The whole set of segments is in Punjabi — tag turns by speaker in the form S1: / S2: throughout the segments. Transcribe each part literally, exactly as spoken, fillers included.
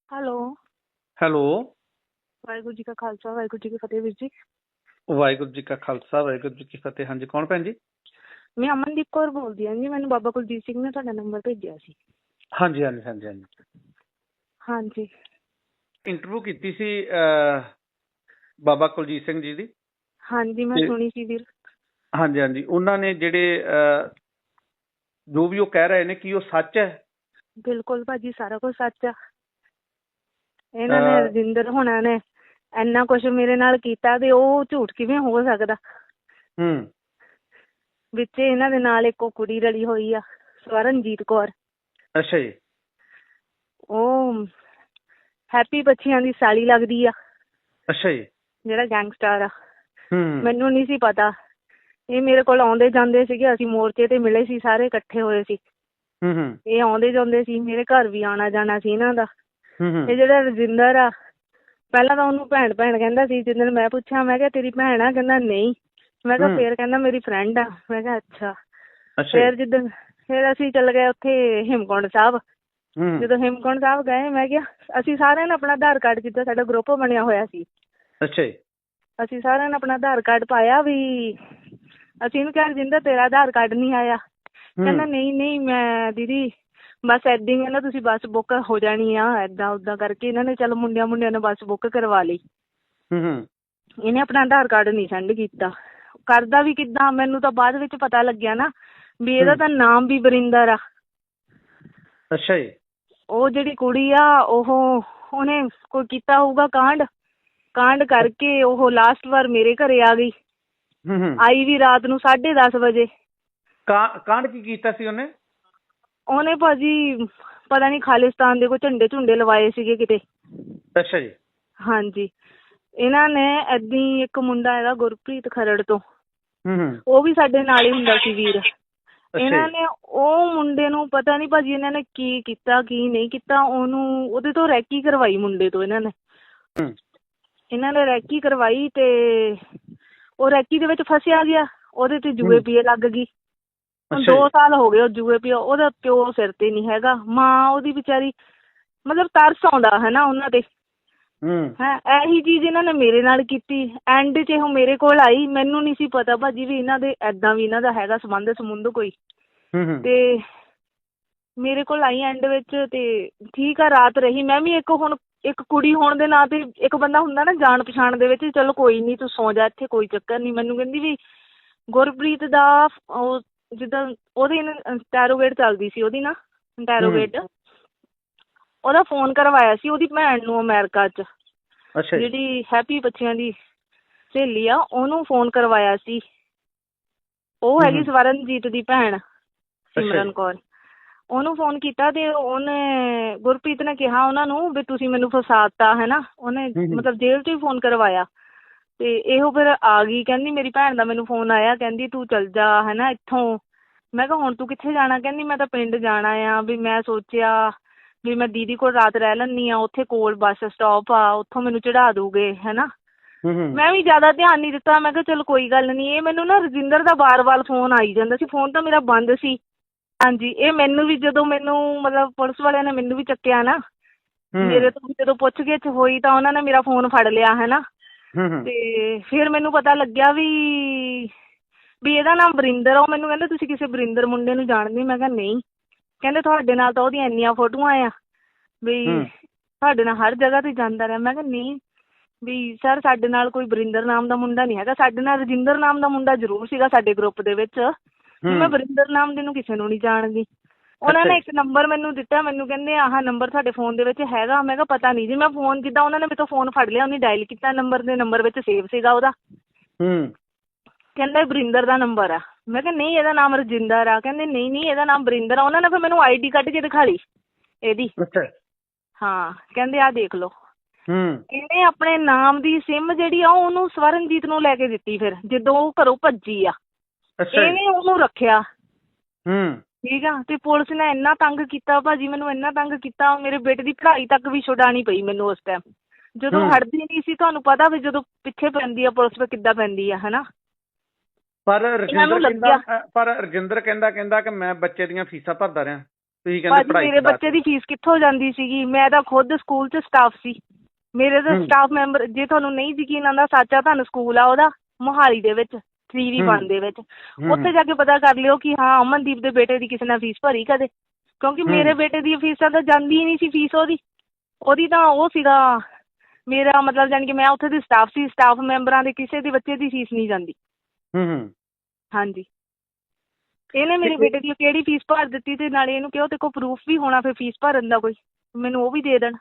S1: ਹੈਲੋ।
S2: ਹੈਲੋ।
S1: ਵਾਹਿਗੁਰੂ ਜੀ ਕਾ ਖਾਲਸਾ ਵਾਹਿਗੁਰੂ ਜੀ ਕੀ ਫਤਿਹ ਵੀਰ ਜੀ।
S2: ਵਾਹਿਗੁਰੂ ਜੀ ਕਾ ਖਾਲਸਾ ਵਾਹਿਗੁਰੂ ਜੀ ਕੀ ਫਤਿਹ। ਹਾਂਜੀ, ਕੌਣ ਭੈਣ ਜੀ?
S1: ਮੈਂ ਅਮਨਦੀਪ ਕੌਰ ਬੋਲਦੀ ਹਾਂ ਜੀ। ਮੈਨੂੰ ਬਾਬਾ ਕੁਲਜੀਤ ਸਿੰਘ ਨੇ ਤੁਹਾਡਾ ਨੰਬਰ ਭੇਜਿਆ ਸੀ।
S2: ਹਾਂਜੀ ਹਾਂਜੀ ਹਾਂਜੀ ਹਾਂਜੀ
S1: ਹਾਂਜੀ।
S2: ਇੰਟਰਵਿਊ ਕੀਤੀ ਸੀ ਅਹ, ਬਾਬਾ ਕੁਲਜੀਤ ਸਿੰਘ ਜੀ ਦੀ।
S1: ਹਾਂਜੀ ਮੈਂ
S2: ਤੇ
S1: ਸੁਣੀ ਸੀ ਵੀਰ।
S2: ਹਾਂਜੀ ਹਾਂਜੀ ਉਹਨਾਂ ਨੇ ਜਿਹੜੇ ਅਹ, ਜੋ ਵੀ ਉਹ ਕਹਿ ਰਹੇ ਨੇ, ਕੀ ਉਹ ਸੱਚ ਹੈ?
S1: ਬਿਲਕੁਲ ਭਾਜੀ, ਸਾਰਾ ਕੁਝ ਸੱਚ ਆ। ਇਹਨਾਂ ਨੇ
S2: ਅਹ,
S1: ਰਜਿੰਦਰ ਹੋਣਾ ਨੇ ਇੰਨਾ ਕੁਛ ਮੇਰੇ ਨਾਲ ਕੀਤਾ ਤੇ ਉਹ ਝੂਠ ਕਿਵੇਂ ਹੋ ਸਕਦਾ?
S2: ਹੂੰ।
S1: ਵਿੱਚ ਇਹਨਾਂ ਦੇ ਨਾਲ ਇੱਕ ਉਹ ਕੁੜੀ ਰਲੀ ਹੋਈ ਆ, ਸਵਰਨਜੀਤ ਕੌਰ।
S2: ਅੱਛਾ ਜੀ।
S1: ਉਹ ਹੈਪੀ ਬੱਚਿਆਂ ਦੀ ਸਾਲੀ ਲੱਗਦੀ ਆ,
S2: ਅੱਛਾ ਜੀ।
S1: ਜਿਹੜਾ ਗੈਂਗਸਟਰ ਆ।
S2: ਹੂੰ
S1: ਮੈਨੂੰ ਨਹੀਂ ਸੀ ਪਤਾ। ਇਹ ਮੇਰੇ ਕੋਲ ਆਉਂਦੇ ਜਾਂਦੇ ਸੀਗੇ, ਅਸੀਂ ਮੋਰਚੇ ਤੇ ਮਿਲੇ ਸੀ, ਸਾਰੇ ਇਕੱਠੇ ਹੋਏ ਸੀ।
S2: ਹੂੰ ਹੂੰ
S1: ਇਹ ਆਉਂਦੇ ਜਾਂਦੇ ਸੀ, ਮੇਰੇ ਘਰ ਵੀ ਆਉਣਾ ਜਾਣਾ ਸੀ ਇਹਨਾਂ ਦਾ।
S2: ਹੂੰ ਹੂੰ
S1: ਇਹ ਜਿਹੜਾ ਰਜਿੰਦਰ ਆ, ਪਹਿਲਾਂ ਤਾਂ ਉਹਨੂੰ ਭੈਣ ਭੈਣ ਕਹਿੰਦਾ ਸੀ। ਜਿੱਦਣ ਮੈਂ ਪੁੱਛਿਆ, ਮੈਂ ਕਿਹਾ ਤੇਰੀ ਭੈਣ ਆ? ਕਹਿੰਦਾ ਨਹੀਂ। ਮੈਂ ਕਿਹਾ
S2: ਹੂੰ
S1: ਫੇਰ? ਕਹਿੰਦਾ ਮੇਰੀ ਫਰੈਂਡ ਆ। ਮੈਂ ਕਿਹਾ ਅੱਛਾ।
S2: ਅੱਛਾ ਜੀ।
S1: ਫੇਰ ਜਿੱਦਣ ਫੇਰ ਅਸੀਂ ਚੱਲ ਗਏ ਉੱਥੇ ਹੇਮਕੁੰਟ ਸਾਹਿਬ।
S2: ਹੂੰ।
S1: ਜਦੋਂ ਹੇਮਕੁੰਟ ਸਾਹਿਬ ਗਏ, ਮੈਂ ਕਿਹਾ ਅਸੀਂ ਸਾਰਿਆਂ ਨੇ ਆਪਣਾ ਆਧਾਰ ਕਾਰਡ, ਜਿੱਦਾਂ ਸਾਡਾ ਗਰੁੱਪ ਬਣਿਆ ਹੋਇਆ ਸੀ,
S2: ਅੱਛਾ ਜੀ।
S1: ਅਸੀਂ ਸਾਰਿਆਂ ਨੇ ਆਪਣਾ ਆਧਾਰ ਕਾਰਡ ਪਾਇਆ ਵੀ। ਅਸੀਂ ਇਹਨੂੰ ਕਿਹਾ ਰਜਿੰਦਰ ਤੇਰਾ ਆਧਾਰ ਕਾਰਡ ਨਹੀਂ ਆਇਆ? ਕਹਿੰਦਾ
S2: ਹੂੰ
S1: ਨਹੀਂ ਨਹੀਂ ਮੈਂ ਦੀਦੀ ਬਸ ਏਦਾਂ ਹੀ। ਕਹਿੰਦਾ ਤੁਸੀਂ ਬੱਸ ਬੁੱਕ ਹੋ ਜਾਣੀ ਆ, ਏਦਾਂ ਉਦਾਂ ਕਰਕੇ ਇਹਨਾਂ ਨੇ ਚੱਲ ਮੁੰਡਿਆਂ ਮੁੰਡਿਆਂ ਨੇ ਬੱਸ ਬੁੱਕ ਕਰਵਾ ਲਈ।
S2: ਹੂੰ ਹੂੰ
S1: ਇਹਨੇ ਆਪਣਾ ਆਧਾਰ ਕਾਰਡ ਨਹੀਂ ਸੈਂਡ ਕੀਤਾ। ਕਰਦਾ ਵੀ ਕਿੱਦਾਂ? ਮੈਨੂੰ ਤਾਂ ਬਾਅਦ ਵਿੱਚ ਪਤਾ ਲੱਗਿਆ ਨਾ ਵੀ ਇਹਦਾ
S2: ਹੂੰ।
S1: ਤਾਂ ਨਾਮ ਵੀ ਵਰਿੰਦਰ ਆ।
S2: ਅੱਛਾ ਜੀ।
S1: ਉਹ ਜਿਹੜੀ ਕੁੜੀ ਆ, ਉਹ ਉਹਨੇ ਕੋਈ ਕੀਤਾ ਹੋਊਗਾ ਕਾਂਡ। ਕਾਂਡ ਕਰਕੇ ਉਹ ਲਾਸਟ ਵਾਰ ਮੇਰੇ ਘਰੇ ਆ ਗਈ।
S2: ਹੂੰ ਹੂੰ
S1: ਆਈ ਵੀ ਰਾਤ ਨੂੰ ਸਾਢੇ ਦਸ ਵਜੇ।
S2: ਕਾਂ ਕਾਂਡ ਕੀ ਕੀਤਾ ਸੀ ਉਹਨੇ?
S1: ਉਹਨੇ ਭਾਜੀ ਪਤਾ ਨਹੀਂ ਖਾਲਿਸਤਾਨ ਦੇ ਕੋਈ ਝੰਡੇ ਝੁੰਡੇ ਲਵਾਏ ਸੀਗੇ ਕਿਤੇ।
S2: ਅੱਛਾ ਜੀ।
S1: ਹਾਂਜੀ। ਇਹਨਾਂ ਨੇ ਏਦਾਂ ਹੀ, ਇੱਕ ਮੁੰਡਾ ਹੈਗਾ ਗੁਰਪ੍ਰੀਤ ਖਰੜ ਤੋਂ,
S2: ਹੂੰ ਹੂੰ
S1: ਉਹ ਵੀ ਸਾਡੇ ਨਾਲ ਹੀ ਹੁੰਦਾ ਸੀ ਵੀਰ।
S2: ਅੱਛਾ
S1: ਇਹਨਾਂ
S2: ਜੀ।
S1: ਨੇ ਉਹ ਮੁੰਡੇ ਨੂੰ ਪਤਾ ਨਹੀਂ ਭਾਜੀ ਇਹਨਾਂ ਨੇ ਕੀ ਕੀਤਾ ਕੀ ਨਹੀਂ ਕੀਤਾ, ਉਹਨੂੰ ਉਹਦੇ ਤੋਂ ਰੈਕੀ ਕਰਵਾਈ ਮੁੰਡੇ ਤੋਂ। ਇਹਨਾਂ ਨੇ
S2: ਹੂੰ
S1: ਇਹਨਾਂ ਨੇ ਰੈਕੀ ਕਰਵਾਈ ਤੇ ਉਹ ਰੈਕੀ ਦੇ ਵਿੱਚ ਫਸਿਆ ਗਿਆ। ਉਹਦੇ ਤੇ ਜੂਏ
S2: ਹੂੰ
S1: ਪੀਏ ਲੱਗ ਗਈ। ਹੁਣ
S2: ਅੱਛਾ
S1: ਦੋ
S2: ਜੀ।
S1: ਸਾਲ ਹੋ ਗਏ ਉਹ ਜੂਏ ਪੀਏ। ਉਹਦਾ ਪਿਓ ਸਿਰ ਤੇ ਨਹੀਂ ਹੈਗਾ, ਮਾਂ ਉਹਦੀ ਵਿਚਾਰੀ, ਮਤਲਬ ਤਰਸ ਆਉਂਦਾ ਹੈ ਨਾ ਉਹਨਾਂ ਤੇ।
S2: ਹੂੰ
S1: ਹੈ ਇਹੀ ਚੀਜ਼ ਇਹਨਾਂ ਨੇ ਮੇਰੇ ਨਾਲ ਕੀਤੀ। ਐਂਡ 'ਚ ਉਹ ਮੇਰੇ ਕੋਲ ਆਈ। ਮੈਨੂੰ ਨਹੀਂ ਸੀ ਪਤਾ ਭਾਜੀ ਵੀ ਇਹਨਾਂ ਦੇ ਐਦਾਂ ਵੀ ਇਹਨਾਂ ਦਾ ਹੈਗਾ ਸੰਬੰਧ ਸਮੁੰਧ ਕੋਈ।
S2: ਹੂੰ ਹੂੰ
S1: ਤੇ ਮੇਰੇ ਕੋਲ ਆਈ ਐਂਡ ਵਿੱਚ ਤੇ ਠੀਕ ਆ, ਰਾਤ ਰਹੀ ਮੈਂ ਵੀ। ਇੱਕ ਹੁਣ ਇੱਕ ਕੁੜੀ ਹੋਣ ਦੇ ਨਾਂ ਤੇ ਇੱਕ ਬੰਦਾ ਹੁੰਦਾ ਨਾ ਜਾਣ ਪਛਾਣ ਦੇ ਵਿੱਚ, ਚਲੋ ਕੋਈ ਨਹੀਂ ਤੂੰ ਸੌਂ ਜਾ ਇੱਥੇ, ਕੋਈ ਚੱਕਰ ਨਹੀਂ। ਮੈਨੂੰ ਕਹਿੰਦੀ ਵੀ ਗੁਰਪ੍ਰੀਤ ਦਾ ਉਹ ਜਿੱਦਾਂ ਉਹਦੀ ਇੰਟੈਰੋਗੇਟ ਚੱਲਦੀ ਸੀ, ਉਹਦੀ ਨਾ ਇੰਟੈਰੋਗੇਟ, ਉਹਦਾ ਫੋਨ ਕਰਵਾਇਆ ਸੀ ਉਹਦੀ ਭੈਣ ਨੂੰ ਅਮਰੀਕਾ 'ਚ,
S2: ਅੱਛਾ ਜੀ।
S1: ਜਿਹੜੀ ਹੈਪੀ ਬੱਚਿਆਂ ਦੀ ਸਹੇਲੀ ਆ, ਉਹਨੂੰ ਫੋਨ ਕਰਵਾਇਆ ਸੀ। ਉਹ
S2: ਹੂੰ
S1: ਹੈਗੀ
S2: ਹੂੰ
S1: ਸਵਰਨਜੀਤ ਦੀ ਭੈਣ,
S2: ਅੱਛਾ
S1: ਸਿਮਰਨ
S2: ਜੀ।
S1: ਕੌਰ। ਉਹਨੂੰ ਫੋਨ ਕੀਤਾ ਤੇ ਉਹਨੇ, ਗੁਰਪ੍ਰੀਤ ਨੇ ਕਿਹਾ ਉਹਨਾਂ ਨੂੰ ਵੀ ਤੁਸੀਂ ਮੈਨੂੰ ਫਸਾਤਾ ਹੈ ਨਾ। ਉਹਨੇ
S2: ਹੂੰ ਹੂੰ
S1: ਮਤਲਬ ਜੇਲ੍ਹ 'ਚ ਹੀ ਫੋਨ ਕਰਵਾਇਆ। ਤੇ ਇਹੋ ਫਿਰ ਆ ਗਈ, ਕਹਿੰਦੀ ਮੇਰੀ ਭੈਣ ਦਾ ਮੈਨੂੰ ਫੋਨ ਆਇਆ, ਕਹਿੰਦੀ ਤੂੰ ਚੱਲ ਜਾ ਹੈ ਨਾ ਇੱਥੋਂ। ਮੈਂ ਕਿਹਾ ਹੁਣ ਤੂੰ ਕਿੱਥੇ ਜਾਣਾ? ਕਹਿੰਦੀ ਮੈਂ ਤਾਂ ਪਿੰਡ ਜਾਣਾ ਆ, ਵੀ ਮੈਂ ਸੋਚਿਆ ਵੀ ਮੈਂ ਦੀਦੀ ਕੋਲ ਰਾਤ ਰਹਿ ਲੈਂਦੀ ਹਾਂ, ਉੱਥੇ ਕੋਲ ਬੱਸ ਸਟਾਪ ਆ, ਉੱਥੋਂ ਮੈਨੂੰ ਚੜ੍ਹਾ ਦੂਗੇ ਹੈ ਨਾ।
S2: ਹੂੰ ਹੂੰ
S1: ਮੈਂ ਵੀ ਜ਼ਿਆਦਾ ਧਿਆਨ ਨਹੀਂ ਦਿੱਤਾ। ਮੈਂ ਕਿਹਾ ਚਲ ਕੋਈ ਗੱਲ ਨਹੀਂ। ਇਹ ਮੈਨੂੰ ਨਾ ਰਜਿੰਦਰ ਦਾ ਵਾਰ ਵਾਰ ਫੋਨ ਆਈ ਜਾਂਦਾ ਸੀ। ਫੋਨ ਤਾਂ ਮੇਰਾ ਬੰਦ ਸੀ। ਹਾਂਜੀ। ਇਹ ਮੈਨੂੰ ਵੀ ਜਦੋਂ ਮੈਨੂੰ ਮਤਲਬ ਪੁਲਿਸ ਵਾਲਿਆਂ ਨੇ ਮੈਨੂੰ ਵੀ ਚੱਕਿਆ ਨਾ, ਮੇਰੇ ਤੋਂ ਜਦੋਂ ਪੁੱਛ ਗਿੱਛ ਹੋਈ ਤਾਂ ਉਹਨਾਂ ਨੇ ਮੇਰਾ ਫੋਨ ਫੜ ਲਿਆ ਹੈ ਨਾ।
S2: ਹੂੰ ਹੂੰ
S1: ਤੇ ਫਿਰ ਮੈਨੂੰ ਪਤਾ ਲੱਗਿਆ ਵੀ ਵੀ ਇਹਦਾ ਨਾਮ ਵਰਿੰਦਰ ਆ। ਉਹ ਮੈਨੂੰ ਕਹਿੰਦੇ ਤੁਸੀਂ ਕਿਸੇ ਵਰਿੰਦਰ ਮੁੰਡੇ ਨੂੰ ਜਾਣਦੇ? ਮੈਂ ਕਿਹਾ ਨਹੀਂ। ਕਹਿੰਦੇ ਤੁਹਾਡੇ ਨਾਲ ਤਾਂ ਉਹਦੀਆਂ ਇੰਨੀਆਂ ਫੋਟੋਆਂ ਆ, ਵੀ
S2: ਹੂੰ
S1: ਤੁਹਾਡੇ ਨਾਲ ਹਰ ਜਗ੍ਹਾ 'ਤੇ ਜਾਂਦਾ ਰਿਹਾ। ਮੈਂ ਕਿਹਾ ਨਹੀਂ ਵੀ ਸਰ, ਸਾਡੇ ਨਾਲ ਕੋਈ ਵਰਿੰਦਰ ਨਾਮ ਦਾ ਮੁੰਡਾ ਨਹੀਂ ਹੈਗਾ। ਸਾਡੇ ਨਾਲ ਰਜਿੰਦਰ ਨਾਮ ਦਾ ਮੁੰਡਾ ਜ਼ਰੂਰ ਸੀਗਾ ਸਾਡੇ ਗਰੁੱਪ ਦੇ ਵਿੱਚ, ਵੀ ਮੈਂ ਵਰਿੰਦਰ ਨਾਮ ਦੇ ਨੂੰ ਕਿਸੇ ਨੂੰ ਨਹੀਂ ਜਾਣਦੀ। ਉਹਨਾਂ ਨੇ ਇੱਕ ਨੰਬਰ ਮੈਨੂੰ ਦਿੱਤਾ। ਮੈਨੂੰ ਕਹਿੰਦੇ ਆਹ ਨੰਬਰ ਤੁਹਾਡੇ ਫੋਨ ਦੇ ਵਿੱਚ ਹੈਗਾ? ਮੈਂ ਕਿਹਾ ਪਤਾ ਨਹੀਂ ਜੀ। ਮੈਂ ਫੋਨ ਜਿੱਦਾਂ ਉਹਨਾਂ ਨੇ ਮੇਰੇ ਤੋਂ ਫੋਨ ਫੜ ਲਿਆ, ਉਹਨੇ ਡਾਇਲ ਕੀਤਾ ਨੰਬਰ, ਦੇ ਨੰਬਰ ਵਿੱਚ ਸੇਵ ਸੀਗਾ ਉਹਦਾ।
S2: ਹੂੰ
S1: ਕਹਿੰਦਾ ਵਰਿੰਦਰ ਦਾ ਨੰਬਰ ਆ। ਮੈਂ ਕਿਹਾ ਨਹੀਂ, ਇਹਦਾ ਨਾਮ ਰਜਿੰਦਰ ਆ। ਕਹਿੰਦੇ ਨਹੀਂ ਨਹੀਂ, ਇਹਦਾ ਨਾਮ ਵਰਿੰਦਰ ਆ। ਉਹਨਾਂ ਨੇ ਫਿਰ ਮੈਨੂੰ ਆਈ ਡੀ ਕੱਢ ਕੇ ਦਿਖਾ ਲਈ ਇਹਦੀ।
S2: ਅੱਛਾ।
S1: ਹਾਂ, ਕਹਿੰਦੇ ਆਹ ਦੇਖ ਲਓ।
S2: ਹੂੰ
S1: ਇਹਨੇ ਆਪਣੇ ਨਾਮ ਦੀ ਸਿਮ ਜਿਹੜੀ ਆ ਉਹਨੂੰ ਸਵਰਨਜੀਤ ਨੂੰ ਲੈ ਕੇ ਦਿੱਤੀ। ਫਿਰ ਜਦੋਂ ਉਹ ਘਰੋਂ ਭੱਜੀ ਆ,
S2: ਅੱਛਾ ਜੀ।
S1: ਇਹਨੇ ਉਹਨੂੰ ਰੱਖਿਆ।
S2: ਹੂੰ
S1: ਠੀਕ ਆ। ਤੇ ਪੁਲਿਸ ਨੇ ਇੰਨਾ ਤੰਗ ਕੀਤਾ ਭਾਜੀ, ਮੈਨੂੰ ਇੰਨਾ ਤੰਗ ਕੀਤਾ, ਮੇਰੇ ਬੇਟੇ ਦੀ ਪੜ੍ਹਾਈ ਤੱਕ ਵੀ ਛੁਡਾਉਣੀ ਪਈ ਮੈਨੂੰ ਉਸ ਟਾਈਮ, ਜਦੋਂ
S2: ਹੂੰ
S1: ਹਟਦੀ ਨਹੀਂ ਸੀ। ਤੁਹਾਨੂੰ ਪਤਾ ਵੀ ਜਦੋਂ ਪਿੱਛੇ ਪੈਂਦੀ ਆ ਪੁਲਿਸ ਫਿਰ ਕਿੱਦਾਂ ਪੈਂਦੀ ਆ, ਹੈ ਨਾ।
S2: ਪਰ
S1: ਇਹਨਾਂ ਨੂੰ
S2: ਰਜਿੰਦਰ
S1: ਲੱਗਿਆ
S2: ਕਹਿੰਦਾ ਪਰ ਰਜਿੰਦਰ ਕਹਿੰਦਾ ਕਹਿੰਦਾ ਕਿ ਮੈਂ ਬੱਚੇ ਦੀਆਂ ਫੀਸਾਂ ਭਰਦਾ ਰਿਹਾ। ਤੁਸੀਂ ਕਹਿੰਦੇ
S1: ਭਾਜੀ
S2: ਪੜ੍ਹਾਈ
S1: ਮੇਰੇ
S2: ਛਡਾ
S1: ਬੱਚੇ
S2: ਕੇ।
S1: ਦੀ ਫੀਸ ਕਿੱਥੋਂ ਜਾਂਦੀ ਸੀਗੀ, ਮੈਂ ਤਾਂ ਖੁਦ ਸਕੂਲ 'ਚ ਸਟਾਫ ਸੀ। ਮੇਰੇ ਤਾਂ
S2: ਹੂੰ
S1: ਸਟਾਫ ਮੈਂਬਰ, ਜੇ ਤੁਹਾਨੂੰ ਨਹੀਂ ਯਕੀਨ ਆਉਂਦਾ, ਸੱਚਾ ਤੁਹਾਨੂੰ ਸਕੂਲ ਆ ਉਹਦਾ ਮੋਹਾਲੀ ਦੇ ਵਿੱਚ ਥ੍ਰੀ ਵੀ
S2: ਹੂੰ
S1: ਵਨ ਦੇ ਵਿੱਚ,
S2: ਹੂੰ
S1: ਉੱਥੇ ਜਾ ਕੇ ਪਤਾ ਕਰ ਲਿਓ ਕਿ ਹਾਂ ਅਮਨਦੀਪ ਦੇ ਬੇਟੇ ਦੀ ਕਿਸੇ ਨੇ ਫੀਸ ਭਰੀ ਕਦੇ, ਕਿਉਂਕਿ
S2: ਹੂੰ
S1: ਮੇਰੇ ਬੇਟੇ ਦੀ ਫੀਸਾਂ ਤਾਂ ਜਾਂਦੀ ਹੀ ਨਹੀਂ ਸੀ ਫੀਸ ਉਹਦੀ ਉਹਦੀ ਤਾਂ ਉਹ ਸੀਗਾ ਮੇਰਾ ਮਤਲਬ ਜਾਣੀ ਕਿ ਮੈਂ ਉੱਥੇ ਦੀ ਸਟਾਫ ਸੀ, ਸਟਾਫ ਮੈਂਬਰਾਂ ਦੇ ਕਿਸੇ ਦੇ ਬੱਚੇ ਦੀ ਫੀਸ ਨਹੀਂ ਜਾਂਦੀ।
S2: ਹੂੰ ਹੂੰ
S1: ਹਾਂਜੀ, ਇਹਨੇ ਮੇਰੇ ਬੇਟੇ ਦੀ ਕਿਹੜੀ ਫੀਸ ਭਰ ਦਿੱਤੀ, ਤੇ ਨਾਲੇ ਇਹਨੂੰ ਕਿਹਾ ਤੇ ਕੋਲ ਪ੍ਰੂਫ ਵੀ ਹੋਣਾ ਫਿਰ ਫੀਸ ਭਰਨ ਦਾ, ਕੋਈ ਮੈਨੂੰ ਉਹ ਵੀ ਦੇ ਦੇਣ।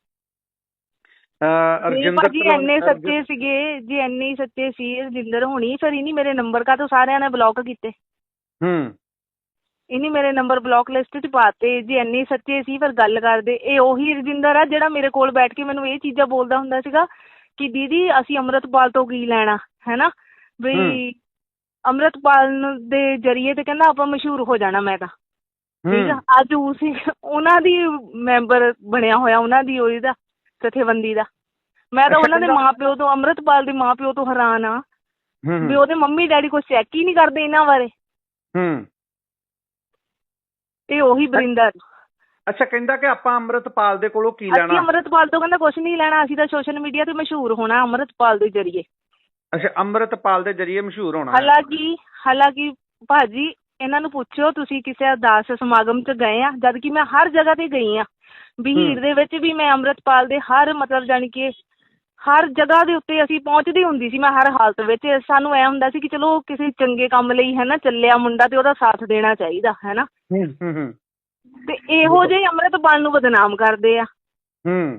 S2: ਅਹ,
S1: ਜੇ
S2: ਰਜਿੰਦਰ
S1: ਭਾਜੀ
S2: ਤਲਵੰ-
S1: ਇੰਨੇ
S2: ਰਜ-
S1: ਸੱਚੇ ਸੀਗੇ, ਜੇ ਇੰਨੇ ਹੀ ਸੱਚੇ ਸੀ ਰਜਿੰਦਰ ਹੋਣੀ, ਫਿਰ ਇਹਨੀ ਮੇਰੇ ਨੰਬਰ ਕਾ ਤੋਂ ਸਾਰਿਆਂ ਨੇ ਬਲੌਕ ਕੀਤੇ,
S2: ਹੂੰ
S1: ਇਹਨੇ ਮੇਰੇ ਨੰਬਰ ਬਲੌਕ ਲਿਸਟ 'ਚ ਪਾਤੇ। ਜੇ ਇੰਨੇ ਹੀ ਸੱਚੇ ਸੀ ਫਿਰ ਗੱਲ ਕਰਦੇ। ਇਹ ਉਹੀ ਰਜਿੰਦਰ ਆ ਜਿਹੜਾ ਮੇਰੇ ਕੋਲ ਬੈਠ ਕੇ ਮੈਨੂੰ ਇਹ ਚੀਜ਼ਾਂ ਬੋਲਦਾ ਹੁੰਦਾ ਸੀਗਾ ਕਿ ਦੀਦੀ ਅਸੀਂ ਅੰਮ੍ਰਿਤਪਾਲ ਤੋਂ ਕੀ ਲੈਣਾ ਹੈ ਨਾ,
S2: ਹੂੰ
S1: ਵੀ ਅੰਮ੍ਰਿਤਪਾਲ ਨੂੰ ਦੇ ਜਰੀਏ ਤੇ ਕਹਿੰਦਾ ਆਪਾਂ ਮਸ਼ਹੂਰ ਹੋ ਜਾਣਾ ਮੈਂ ਤਾਂ, ਠੀਕ ਆ।
S2: ਹੂੰ
S1: ਅੱਜ ਉਸ ਉਹਨਾਂ ਦੀ ਮੈਂਬਰ ਬਣਿਆ ਹੋਇਆ, ਉਹਨਾਂ ਦੀ ਉਹਦੀ ਦਾ ਜਥੇਬੰਦੀ ਦਾ। ਮੈਂ ਤਾਂ
S2: ਅੱਛਾ,
S1: ਉਹਨਾਂ ਦੇ
S2: ਕਹਿੰਦਾ-
S1: ਮਾਂ ਪਿਓ ਤੋਂ, ਅੰਮ੍ਰਿਤਪਾਲ ਦੇ ਮਾਂ ਪਿਓ ਤੋਂ ਹੈਰਾਨ ਆ
S2: ਹੂੰ
S1: ਵੀ
S2: ਹੂੰ
S1: ਉਹਦੇ ਮੰਮੀ ਡੈਡੀ ਕੁਛ ਚੈੱਕ ਹੀ ਨਹੀਂ ਕਰਦੇ ਇਹਨਾਂ ਬਾਰੇ।
S2: ਹੂੰ
S1: ਇਹ ਉਹੀ ਬਰਿੰਦਰ।
S2: ਅੱਛਾ, ਕਹਿੰਦਾ ਕਿ ਆਪਾਂ ਅੰਮ੍ਰਿਤਪਾਲ ਦੇ ਕੋਲੋਂ ਕੀ
S1: ਅਸੀਂ
S2: ਲੈਣਾ।
S1: ਅੰਮ੍ਰਿਤਪਾਲ ਤੋਂ ਕਹਿੰਦਾ ਕੁਛ ਨਹੀਂ ਲੈਣਾ, ਅਸੀਂ ਤਾਂ ਸੋਸ਼ਲ ਮੀਡੀਆ ਤੇ ਮਸ਼ਹੂਰ ਹੋਣਾ ਅੰਮ੍ਰਿਤਪਾਲ ਦੇ ਜਰੀਏ।
S2: ਅੱਛਾ, ਅੰਮ੍ਰਿਤਪਾਲ ਦੇ ਜਰੀਏ ਮਸ਼ਹੂਰ ਹੋਣਾ ਹੈ।
S1: ਹਾਲਾਂਕਿ ਹਾਲਾਂਕਿ ਭਾਜੀ ਇਹਨਾਂ ਨੂੰ ਪੁੱਛਿਓ ਤੁਸੀਂ ਕਿਸੇ ਅਰਦਾਸ ਸਮਾਗਮ 'ਚ ਗਏ ਆ, ਜਦ ਕਿ ਮੈਂ ਹਰ ਜਗ੍ਹਾ ਤੇ ਗਈ ਆ। ਬਹੀਰ ਦੇ ਵਿੱਚ ਵੀ ਮੈਂ ਅੰਮ੍ਰਿਤਪਾਲ ਦੇ ਹਰ ਮਤਲਬ ਜਾਣੀ ਕਿ ਹਰ ਜਗ੍ਹਾ ਦੇ ਉੱਤੇ ਅਸੀਂ ਪਹੁੰਚਦੀ ਹੁੰਦੀ ਸੀ। ਮੈਂ ਹਰ ਹਾਲਤ ਵਿੱਚ, ਸਾਨੂੰ ਐ ਹੁੰਦਾ ਸੀ ਕਿ ਚਲੋ ਕਿਸੇ ਚੰਗੇ ਕੰਮ ਲਈ ਹੈ ਨਾ ਚੱਲਿਆ ਮੁੰਡਾ ਤੇ ਉਹਦਾ ਸਾਥ ਦੇਣਾ ਚਾਹੀਦਾ ਹੈ ਨਾ।
S2: ਹੂੰ ਹੂੰ ਹੂੰ
S1: ਤੇ ਇਹੋ ਜਿਹੇ ਅੰਮ੍ਰਿਤਪਾਲ ਨੂੰ ਬਦਨਾਮ ਕਰਦੇ ਆ।
S2: ਹੂੰ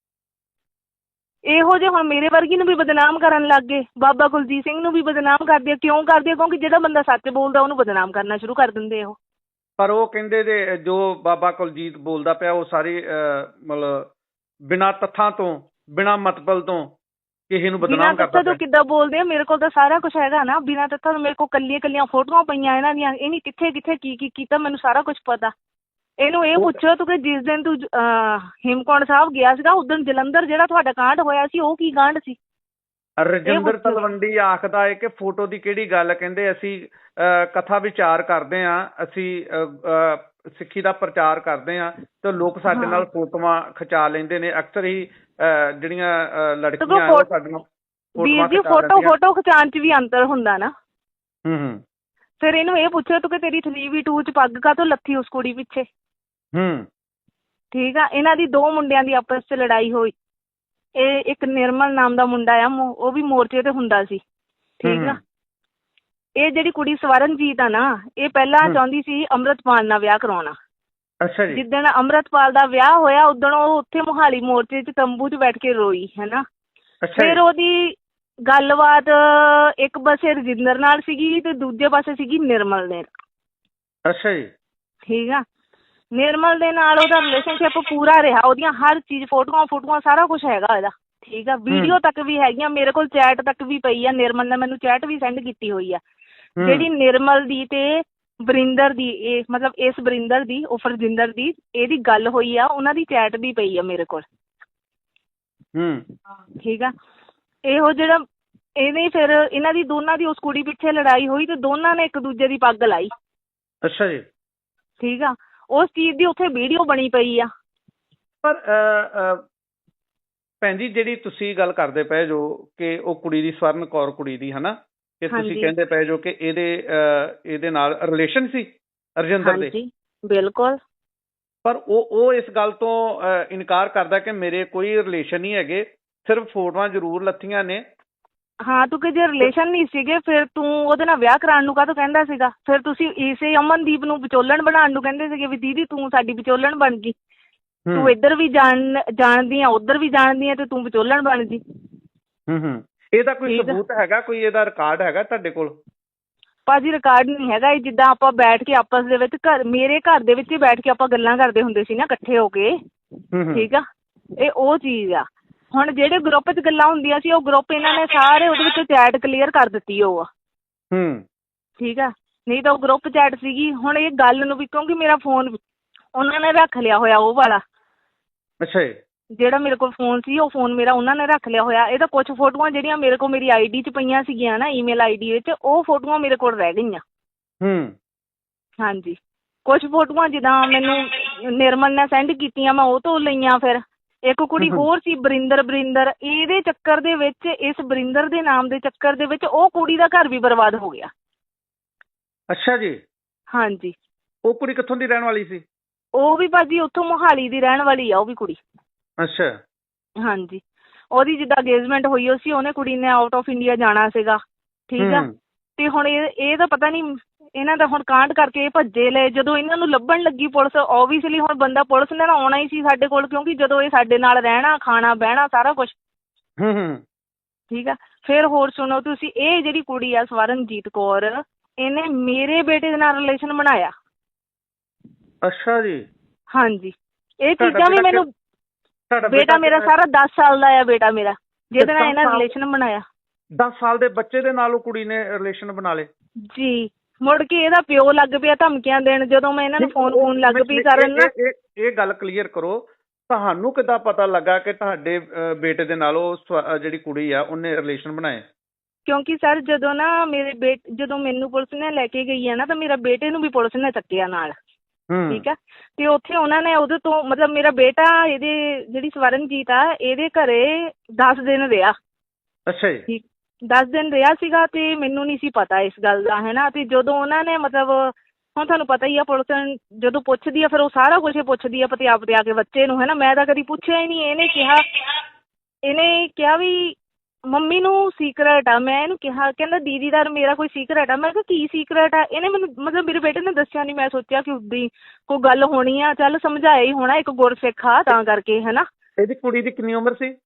S1: ਇਹੋ ਜਿਹੇ ਹੁਣ ਮੇਰੇ ਵਰਗੀ ਨੂੰ ਵੀ ਬਦਨਾਮ ਕਰਨ ਲੱਗ ਗਏ, ਬਾਬਾ ਕੁਲਜੀਤ ਸਿੰਘ ਨੂੰ ਵੀ ਬਦਨਾਮ ਕਰਦੇ ਆ। ਕਿਉਂ ਕਰਦੇ ਆ? ਕਿਉਂਕਿ ਜਿਹੜਾ ਬੰਦਾ ਸੱਚ ਬੋਲਦਾ ਉਹਨੂੰ ਬਦਨਾਮ ਕਰਨਾ ਸ਼ੁਰੂ ਕਰ ਦਿੰਦੇ ਉਹ।
S2: ਪਰ ਉਹ ਕਹਿੰਦੇ ਦੇ ਜੋ ਬਾਬਾ ਕੁਲਜੀਤ ਬੋਲਦਾ ਪਿਆ ਉਹ ਸਾਰੀ ਅਹ, ਮਤਲਬ ਬਿਨਾਂ ਤੱਥਾਂ ਤੋਂ, ਬਿਨਾਂ ਮਤਲਬ ਤੋਂ ਕਿਸੇ ਨੂੰ
S1: ਬਿਨਾਂ
S2: ਬਦਨਾਮ
S1: ਤੱਥਾਂ
S2: ਕਰਦਾ
S1: ਤੋਂ
S2: ਪਿਆ।
S1: ਕਿੱਦਾਂ ਬੋਲਦੇ ਆ? ਮੇਰੇ ਕੋਲ ਤਾਂ ਸਾਰਾ ਕੁਝ ਹੈਗਾ ਨਾ। ਬਿਨਾਂ ਤੱਥਾਂ ਤੋਂ ਮੇਰੇ ਕੋਲ ਕੱਲੀਆਂ ਕੱਲੀਆਂ ਫੋਟੋਆਂ ਪਈਆਂ ਇਹਨਾਂ ਦੀਆਂ। ਇਹਨੇ ਕਿੱਥੇ ਕਿੱਥੇ ਕੀ ਕੀ ਕੀਤਾ ਮੈਨੂੰ ਸਾਰਾ ਕੁਝ ਪਤਾ। ਇਹਨੂੰ ਇਹ ਪੁੱਛੋ ਤੂੰ ਕਿ ਜਿਸ ਦਿਨ ਤੂੰ ਹੇਮਕੁੰਟ ਸਾਹਿਬ ਗਿਆ ਸੀਗਾ ਉਸ ਦਿਨ ਜਲੰਧਰ ਜਿਹੜਾ ਤੁਹਾਡਾ ਕਾਂਡ ਹੋਇਆ ਸੀ ਉਹ ਕੀ ਕਾਂਡ ਸੀ?
S2: ਰਜਿੰਦਰ ਤਲਵੰਡੀ ਆਖਦਾ ਹੈ ਕਿ ਫੋਟੋ ਦੀ ਕਿਹੜੀ ਗੱਲ, ਕਹਿੰਦੇ ਅਸੀਂ ਅਹ, ਕਥਾ ਵਿਚਾਰ ਕਰਦੇ ਹਾਂ, ਅਸੀਂ ਅਹ, ਅਹ, ਸਿੱਖੀ ਦਾ ਪ੍ਰਚਾਰ ਕਰਦੇ ਹਾਂ ਤੇ ਲੋਕ ਸਾਡੇ ਨਾਲ ਫੋਟੋਆਂ ਖਿਚਾ ਲੈਂਦੇ ਨੇ। ਅਕਸਰ ਹੀ ਅਹ, ਜਿਹੜੀਆਂ ਅਹ, ਲੜਕੀਆਂ ਆ ਉਹ ਸਾਡੀਆਂ
S1: ਵੀਰ
S2: ਫੋਟੋਆਂ
S1: ਜੀ
S2: ਖਿਚਾ
S1: ਫੋਟੋ
S2: ਲੈਂਦੀਆਂ।
S1: ਫੋਟੋ ਖਿਚਾਉਣ 'ਚ ਵੀ ਅੰਤਰ ਹੁੰਦਾ ਨਾ।
S2: ਹੂੰ ਹੂੰ
S1: ਫਿਰ ਇਹਨੂੰ ਇਹ ਪੁੱਛੋ ਤੂੰ ਕਿ ਤੇਰੀ ਥ੍ਰੀ ਵੀ ਟੂ 'ਚ ਪੱਗ ਕਾਹਤੋਂ ਲੱਥੀ ਉਸ ਕੁੜੀ ਪਿੱਛੇ?
S2: ਹੂੰ
S1: ਠੀਕ ਆ। ਇਹਨਾਂ ਦੀ ਦੋ ਮੁੰਡਿਆਂ ਦੀ ਆਪਸ 'ਚ ਲੜਾਈ ਹੋਈ। ਇਹ ਇੱਕ ਨਿਰਮਲ ਨਾਮ ਦਾ ਮੁੰਡਾ ਆ, ਉਹ ਵੀ ਮੋਰਚੇ ਤੇ ਹੁੰਦਾ ਸੀ, ਠੀਕ ਆ। ਇਹ ਜਿਹੜੀ ਕੁੜੀ ਸਵਰਨਜੀਤ ਆ ਨਾ, ਇਹ ਪਹਿਲਾਂ ਚਾਹੁੰਦੀ ਸੀ ਅੰਮ੍ਰਿਤਪਾਲ ਨਾਲ ਵਿਆਹ ਕਰਾਉਣਾ।
S2: ਅੱਛਾ ਜੀ।
S1: ਜਿੱਦਣ ਅੰਮ੍ਰਿਤਪਾਲ ਦਾ ਵਿਆਹ ਹੋਇਆ ਉਦਣ ਉਹ ਉੱਥੇ ਮੋਹਾਲੀ ਮੋਰਚੇ 'ਚ ਤੰਬੂ 'ਚ ਬੈਠ ਕੇ ਰੋਈ ਹੈ ਨਾ। ਫਿਰ ਉਹਦੀ ਗੱਲਬਾਤ ਇੱਕ ਪਾਸੇ ਰਜਿੰਦਰ ਨਾਲ ਸੀਗੀ ਤੇ ਦੂਜੇ ਪਾਸੇ ਸੀਗੀ ਨਿਰਮਲ ਦੇ।
S2: ਅੱਛਾ ਜੀ।
S1: ਠੀਕ ਆ। ਨਿਰਮਲ ਦੇ ਨਾਲ ਉਹਦਾ ਰਿਲੇਸ਼ਨਸ਼ਿਪ ਪੂਰਾ ਰਿਹਾ। ਉਹਦੀਆਂ ਹਰ ਚੀਜ਼, ਫੋਟੋਆਂ ਫੋਟੋਆਂ ਸਾਰਾ ਕੁਝ ਹੈਗਾ ਇਹਦਾ, ਠੀਕ ਆ। ਵੀਡੀਓ ਤੱਕ ਵੀ ਹੈਗੀਆਂ ਮੇਰੇ ਕੋਲ, ਚੈਟ ਤੱਕ ਵੀ ਪਈ ਆ। ਨਿਰਮਲ ਨੇ ਮੈਨੂੰ ਚੈਟ ਵੀ ਸੈਂਡ ਕੀਤੀ ਹੋਈ ਆ। ਜਿਹੜੀ ਨਿਰਮਲ ਦੀ ਤੇ ਬਰਿੰਦਰ ਦੀ, ਇਹ ਮਤਲਬ ਇਸ ਬਰਿੰਦਰ ਦੀ ਉਫ ਰਜਿੰਦਰ ਦੀ ਇਹਦੀ ਗੱਲ ਹੋਈ ਆ, ਉਹਨਾਂ ਦੀ ਚੈਟ ਵੀ ਪਈ ਆ ਮੇਰੇ ਕੋਲ।
S2: ਹੂੰ
S1: ਠੀਕ ਆ। ਇਹੋ ਜਿਹੜਾ ਇਹਨੇ ਫਿਰ ਇਹਨਾਂ ਦੀ ਦੋਨਾਂ ਦੀ ਉਸ ਕੁੜੀ ਪਿੱਛੇ ਲੜਾਈ ਹੋਈ ਤੇ ਦੋਨਾਂ ਨੇ ਇੱਕ ਦੂਜੇ ਦੀ ਪੱਗ ਲਾਈ।
S2: ਅੱਛਾ ਜੀ।
S1: ਠੀਕ ਆ। ਉਸ ਚੀਜ਼ ਦੀ ਉੱਥੇ ਵੀਡੀਓ ਬਣੀ ਪਈ ਆ।
S2: ਪਰ ਭੈਣ ਜੀ ਜਿਹੜੀ ਤੁਸੀਂ ਗੱਲ ਕਰਦੇ ਪਏ ਜੋ ਕਿ ਉਹ ਕੁੜੀ ਦੀ, ਸਵਰਨ ਕੌਰ ਕੁੜੀ ਦੀ, ਹਨਾ, ਕਿ ਤੁਸੀਂ ਕਹਿੰਦੇ ਪਏ ਜੋ ਕਿ ਇਹਦੇ ਇਹਦੇ ਨਾਲ ਰਿਲੇਸ਼ਨ ਸੀ ਰਜਿੰਦਰ ਦੇ।
S1: ਹਾਂਜੀ ਬਿਲਕੁਲ।
S2: ਪਰ ਉਹ ਉਹ ਇਸ ਗੱਲ ਤੋਂ ਇਨਕਾਰ ਕਰਦਾ ਕਿ ਮੇਰੇ ਕੋਈ ਰਿਲੇਸ਼ਨ ਨਹੀਂ ਹੈਗੇ, ਸਿਰਫ ਫੋਟੋਆਂ ਜ਼ਰੂਰ ਲੱਥੀਆਂ ਨੇ।
S1: ਹਾਂ, ਤੂੰ ਕਿ ਜੇ ਰਿਲੇਸ਼ਨ ਨਹੀਂ ਸੀਗੇ ਫਿਰ ਤੂੰ ਉਹਦੇ ਨਾਲ ਵਿਆਹ ਕਰਾਉਣ ਨੂੰ ਕਾਹਤੋਂ ਕਹਿੰਦਾ ਸੀਗਾ? ਫਿਰ ਤੁਸੀਂ ਇਸੇ ਅਮਨਦੀਪ ਨੂੰ ਵਿਚੋਲਣ ਬਣਾਉਣ ਨੂੰ ਕਹਿੰਦੇ ਸੀਗੇ ਵੀ ਦੀਦੀ ਤੂੰ ਸਾਡੀ ਵਿਚੋਲਣ ਬਣ ਗਈ, ਤੂੰ ਇੱਧਰ ਵੀ ਜਾਣ ਜਾਣਦੀ ਆ ਉੱਧਰ ਵੀ ਜਾਣਦੀ ਆ ਤੇ ਤੂੰ ਵਿਚੋਲਣ ਬਣ ਗਈ।
S2: ਹੂੰ ਹੂੰ ਇਹਦਾ ਕੋਈ ਸਬੂਤ ਹੈਗਾ? ਕੋਈ ਇਹਦਾ ਰਿਕਾਰਡ ਹੈਗਾ ਤੁਹਾਡੇ ਕੋਲ?
S1: ਭਾਜੀ ਰਿਕਾਰਡ ਨਹੀਂ ਹੈਗਾ। ਇਹ ਜਿੱਦਾਂ ਆਪਾਂ ਬੈਠ ਕੇ ਆਪਸ ਦੇ ਵਿੱਚ ਘਰ, ਮੇਰੇ ਘਰ ਦੇ ਵਿੱਚ ਹੀ ਬੈਠ ਕੇ ਆਪਾਂ ਗੱਲਾਂ ਕਰਦੇ ਹੁੰਦੇ ਸੀ ਨਾ ਇਕੱਠੇ ਹੋ ਕੇ, ਠੀਕ ਆ। ਇਹ ਉਹ ਚੀਜ਼ ਆ। ਹੁਣ ਜਿਹੜੇ ਗਰੁੱਪ 'ਚ ਗੱਲਾਂ ਹੁੰਦੀਆਂ ਸੀ ਉਹ ਗਰੁੱਪ ਇਹਨਾਂ ਨੇ ਸਾਰੇ ਉਹਦੇ ਵਿੱਚ ਚੈਟ ਕਲੀਅਰ ਕਰ ਦਿੱਤੀ ਉਹ ਆ।
S2: ਹੂੰ
S1: ਠੀਕ ਆ। ਨਹੀਂ ਤਾਂ ਉਹ ਗਰੁੱਪ ਚੈਟ ਸੀਗੀ। ਹੁਣ ਇਹ ਗੱਲ ਨੂੰ ਵੀ, ਕਿਉਂਕਿ ਮੇਰਾ ਫੋਨ ਉਹਨਾਂ ਨੇ ਰੱਖ ਲਿਆ ਹੋਇਆ ਉਹ ਵਾਲਾ।
S2: ਅੱਛਾ ਜੀ।
S1: ਜਿਹੜਾ ਮੇਰੇ ਕੋਲ ਫੋਨ ਸੀ ਉਹ ਫੋਨ ਮੇਰਾ ਉਹਨਾਂ ਨੇ ਰੱਖ ਲਿਆ ਹੋਇਆ। ਇਹਦਾ ਕੁਛ ਫੋਟੋਆਂ ਜਿਹੜੀਆਂ ਮੇਰੇ ਕੋਲ ਮੇਰੀ ਆਈ ਡੀ 'ਚ ਪਈਆਂ ਸੀਗੀਆਂ ਨਾ, ਈਮੇਲ ਆਈ ਡੀ ਵਿੱਚ, ਉਹ ਫੋਟੋਆਂ ਮੇਰੇ ਕੋਲ ਰਹਿ ਗਈਆਂ।
S2: ਹੂੰ
S1: ਹਾਂਜੀ। ਕੁਝ ਫੋਟੋਆਂ ਜਿੱਦਾਂ ਮੈਨੂੰ ਨਿਰਮਲ ਨੇ ਸੈਂਡ ਕੀਤੀਆਂ ਮੈਂ ਉਹ ਤੋਂ ਲਈਆਂ। ਫਿਰ ਇੱਕ ਕੁੜੀ ਹੋਰ ਸੀ ਬਰਿੰਦਰ ਬਰਿੰਦਰ ਇਹਦੇ ਚੱਕਰ ਦੇ ਵਿੱਚ, ਇਸ ਬਰਿੰਦਰ ਦੇ ਨਾਮ ਦੇ ਚੱਕਰ ਦੇ ਵਿੱਚ ਉਹ ਕੁੜੀ ਦਾ ਘਰ ਵੀ ਬਰਬਾਦ ਹੋ ਗਿਆ।
S2: ਅੱਛਾ ਜੀ।
S1: ਹਾਂਜੀ।
S2: ਉਹ ਕੁੜੀ ਕਿੱਥੋਂ ਦੀ ਰਹਿਣ ਵਾਲੀ ਸੀ?
S1: ਉਹ ਵੀ ਭਾਜੀ ਉੱਥੋਂ ਮੋਹਾਲੀ ਦੀ ਰਹਿਣ ਵਾਲੀ ਆ ਉਹ ਵੀ ਕੁੜੀ।
S2: ਅੱਛਾ।
S1: ਹਾਂਜੀ। ਉਹਦੀ ਜਿੱਦਾਂ ਅੰਗੇਜਮੈਂਟ ਹੋਈ ਉਹ ਸੀ, ਉਹਨੇ ਕੁੜੀ ਨੇ ਆਊਟ ਆਫ ਇੰਡੀਆ ਜਾਣਾ ਸੀਗਾ। ਠੀਕ ਆ। ਤੇ ਹੁਣ ਇਹ ਇਹ ਤਾਂ ਪਤਾ ਨਹੀਂ ਇਹਨਾਂ ਦਾ ਹੁਣ ਕਾਂਡ ਕਰਕੇ ਇਹ ਭੱਜੇ ਲਏ। ਜਦੋਂ ਇਹਨਾਂ ਨੂੰ ਲੱਭਣ ਲੱਗੀ ਪੁਲਿਸ, ਓਬਵੀਅਸਲੀ ਹੁਣ ਬੰਦਾ ਪੁਲਿਸ ਨੇ ਨਾ ਆਉਣਾ ਹੀ ਸੀ ਸਾਡੇ ਕੋਲ, ਕਿਉਂਕਿ ਜਦੋਂ ਇਹ ਸਾਡੇ ਨਾਲ ਰਹਿਣਾ, ਖਾਣਾ, ਬਹਿਣਾ ਸਾਰਾ ਕੁਛ।
S2: ਹੂੰ ਹੂੰ।
S1: ਠੀਕ ਆ। ਫਿਰ ਹੋਰ ਸੁਣੋ ਤੁਸੀਂ, ਇਹ ਜਿਹੜੀ ਕੁੜੀ ਆ ਸਵਰਨਜੀਤ ਕੌਰ, ਇਹਨੇ ਮੇਰੇ ਬੇਟੇ ਦੇ ਨਾਲ ਰਿਲੇਸ਼ਨ ਬਣਾਇਆ।
S2: ਅੱਛਾ ਜੀ।
S1: ਹਾਂਜੀ। ਇਹ ਚੀਜ਼ਾਂ ਵੀ ਮੈਨੂੰ, ਬੇਟਾ ਮੇਰਾ ਸਾਰਾ ਦਸ ਸਾਲ ਦਾ ਆ ਬੇਟਾ ਮੇਰਾ, ਜਿਹਦੇ ਨਾਲ ਇਹਨਾਂ ਰਿਲੇਸ਼ਨ ਬਣਾਇਆ।
S2: ਦਸ ਸਾਲ ਦੇ ਬੱਚੇ ਦੇ ਨਾਲ ਉਹ ਕੁੜੀ ਨੇ ਰਿਲੇਸ਼ਨ ਬਣਾ ਲਏ ਜੀ।
S1: ਮੁੜ ਕੇ ਇਹਦਾ ਪਿਓ ਲੱਗ ਪਿਆ ਧਮਕੀਆਂ ਦੇਣ, ਜਦੋਂ ਮੈਂ ਇਹਨਾਂ ਨੂੰ ਫੋਨ ਫੋਨ ਲੱਗ ਪਈ ਕਰਨ ਨਾ।
S2: ਇਹ ਗੱਲ ਕਲੀਅਰ ਕਰੋ, ਤੁਹਾਨੂੰ ਕਿੱਦਾਂ ਪਤਾ ਲੱਗਾ ਕਿ ਤੁਹਾਡੇ ਬੇਟੇ ਦੇ ਨਾਲ ਉਹ ਜਿਹੜੀ ਕੁੜੀ ਆ ਉਹਨੇ ਰਿਲੇਸ਼ਨ ਬਣਾਏ? ਕਿਉਂਕਿ
S1: ਸਰ ਜਦੋਂ ਨਾ ਮੇਰੇ ਬੇਟੇ, ਜਦੋਂ ਮੈਨੂੰ ਪੁਲਿਸ ਨੇ ਲੈ ਕੇ ਗਈ ਆ ਨਾ, ਤਾਂ ਮੇਰਾ ਬੇਟੇ ਨੂੰ ਵੀ ਪੁਲਿਸ ਨੇ ਚੱਕਿਆ ਨਾਲ। ਠੀਕ ਆ। ਤੇ ਉੱਥੇ ਉਹਨਾਂ ਨੇ ਉਹਦੇ ਤੋਂ ਮਤਲਬ ਮੇਰਾ ਬੇਟਾ ਇਹਦੇ ਜਿਹੜੀ ਸਵਰਨਜੀਤ ਆ ਇਹਦੇ ਘਰੇ ਦਸ ਦਿਨ ਰਿਹਾ।
S2: ਅੱਛਾ ਜੀ।
S1: ਦਸ ਦਿਨ ਰਿਹਾ ਸੀਗਾ ਤੇ ਮੈਨੂੰ ਨਹੀਂ ਸੀ ਪਤਾ ਇਸ ਗੱਲ ਦਾ, ਹੈ ਨਾ। ਤੇ ਜਦੋਂ ਉਹਨਾਂ ਨੇ ਮਤਲਬ ਹੁਣ ਤੁਹਾਨੂੰ ਪਤਾ ਹੀ ਆ ਪੁਲਿਸ ਜਦੋਂ ਪੁੱਛਦੀ ਆ ਫਿਰ ਉਹ ਸਾਰਾ ਕੁਛ ਪੁੱਛਦੀ ਆ ਪਤਿਆ ਪਤਿਆ ਕੇ ਬੱਚੇ ਨੂੰ, ਹੈ ਨਾ। ਮੈਂ ਤਾਂ ਕਦੀ ਪੁੱਛਿਆ ਹੀ ਨਹੀਂ। ਇਹਨੇ ਕਿਹਾ ਇਹਨੇ ਕਿਹਾ ਵੀ ਮੰਮੀ ਨੂੰ ਸੀਕਰਟ ਆ। ਮੈਂ ਇਹਨੂੰ ਕਿਹਾ, ਕਹਿੰਦਾ ਦੀਦੀ ਦਾ ਮੇਰਾ ਕੋਈ ਸੀਕਰਟ ਆ। ਮੈਂ ਕਿਹਾ ਕੀ ਸੀਕਰਟ ਆ? ਇਹਨੇ ਮੈਨੂੰ ਮਤਲਬ ਮੇਰੇ ਬੇਟੇ ਨੇ ਦੱਸਿਆ ਨਹੀਂ। ਮੈਂ ਸੋਚਿਆ ਕਿ ਉੱਦਾਂ ਹੀ ਕੋਈ ਗੱਲ ਹੋਣੀ ਆ, ਚੱਲ ਸਮਝਾਇਆ ਹੀ ਹੋਣਾ, ਇੱਕ ਗੁਰਸਿੱਖ ਆ ਤਾਂ ਕਰਕੇ, ਹੈ ਨਾ।
S2: ਇਹਦੀ ਕੁੜੀ ਦੀ ਕਿੰਨੀ ਉਮਰ ਸੀ?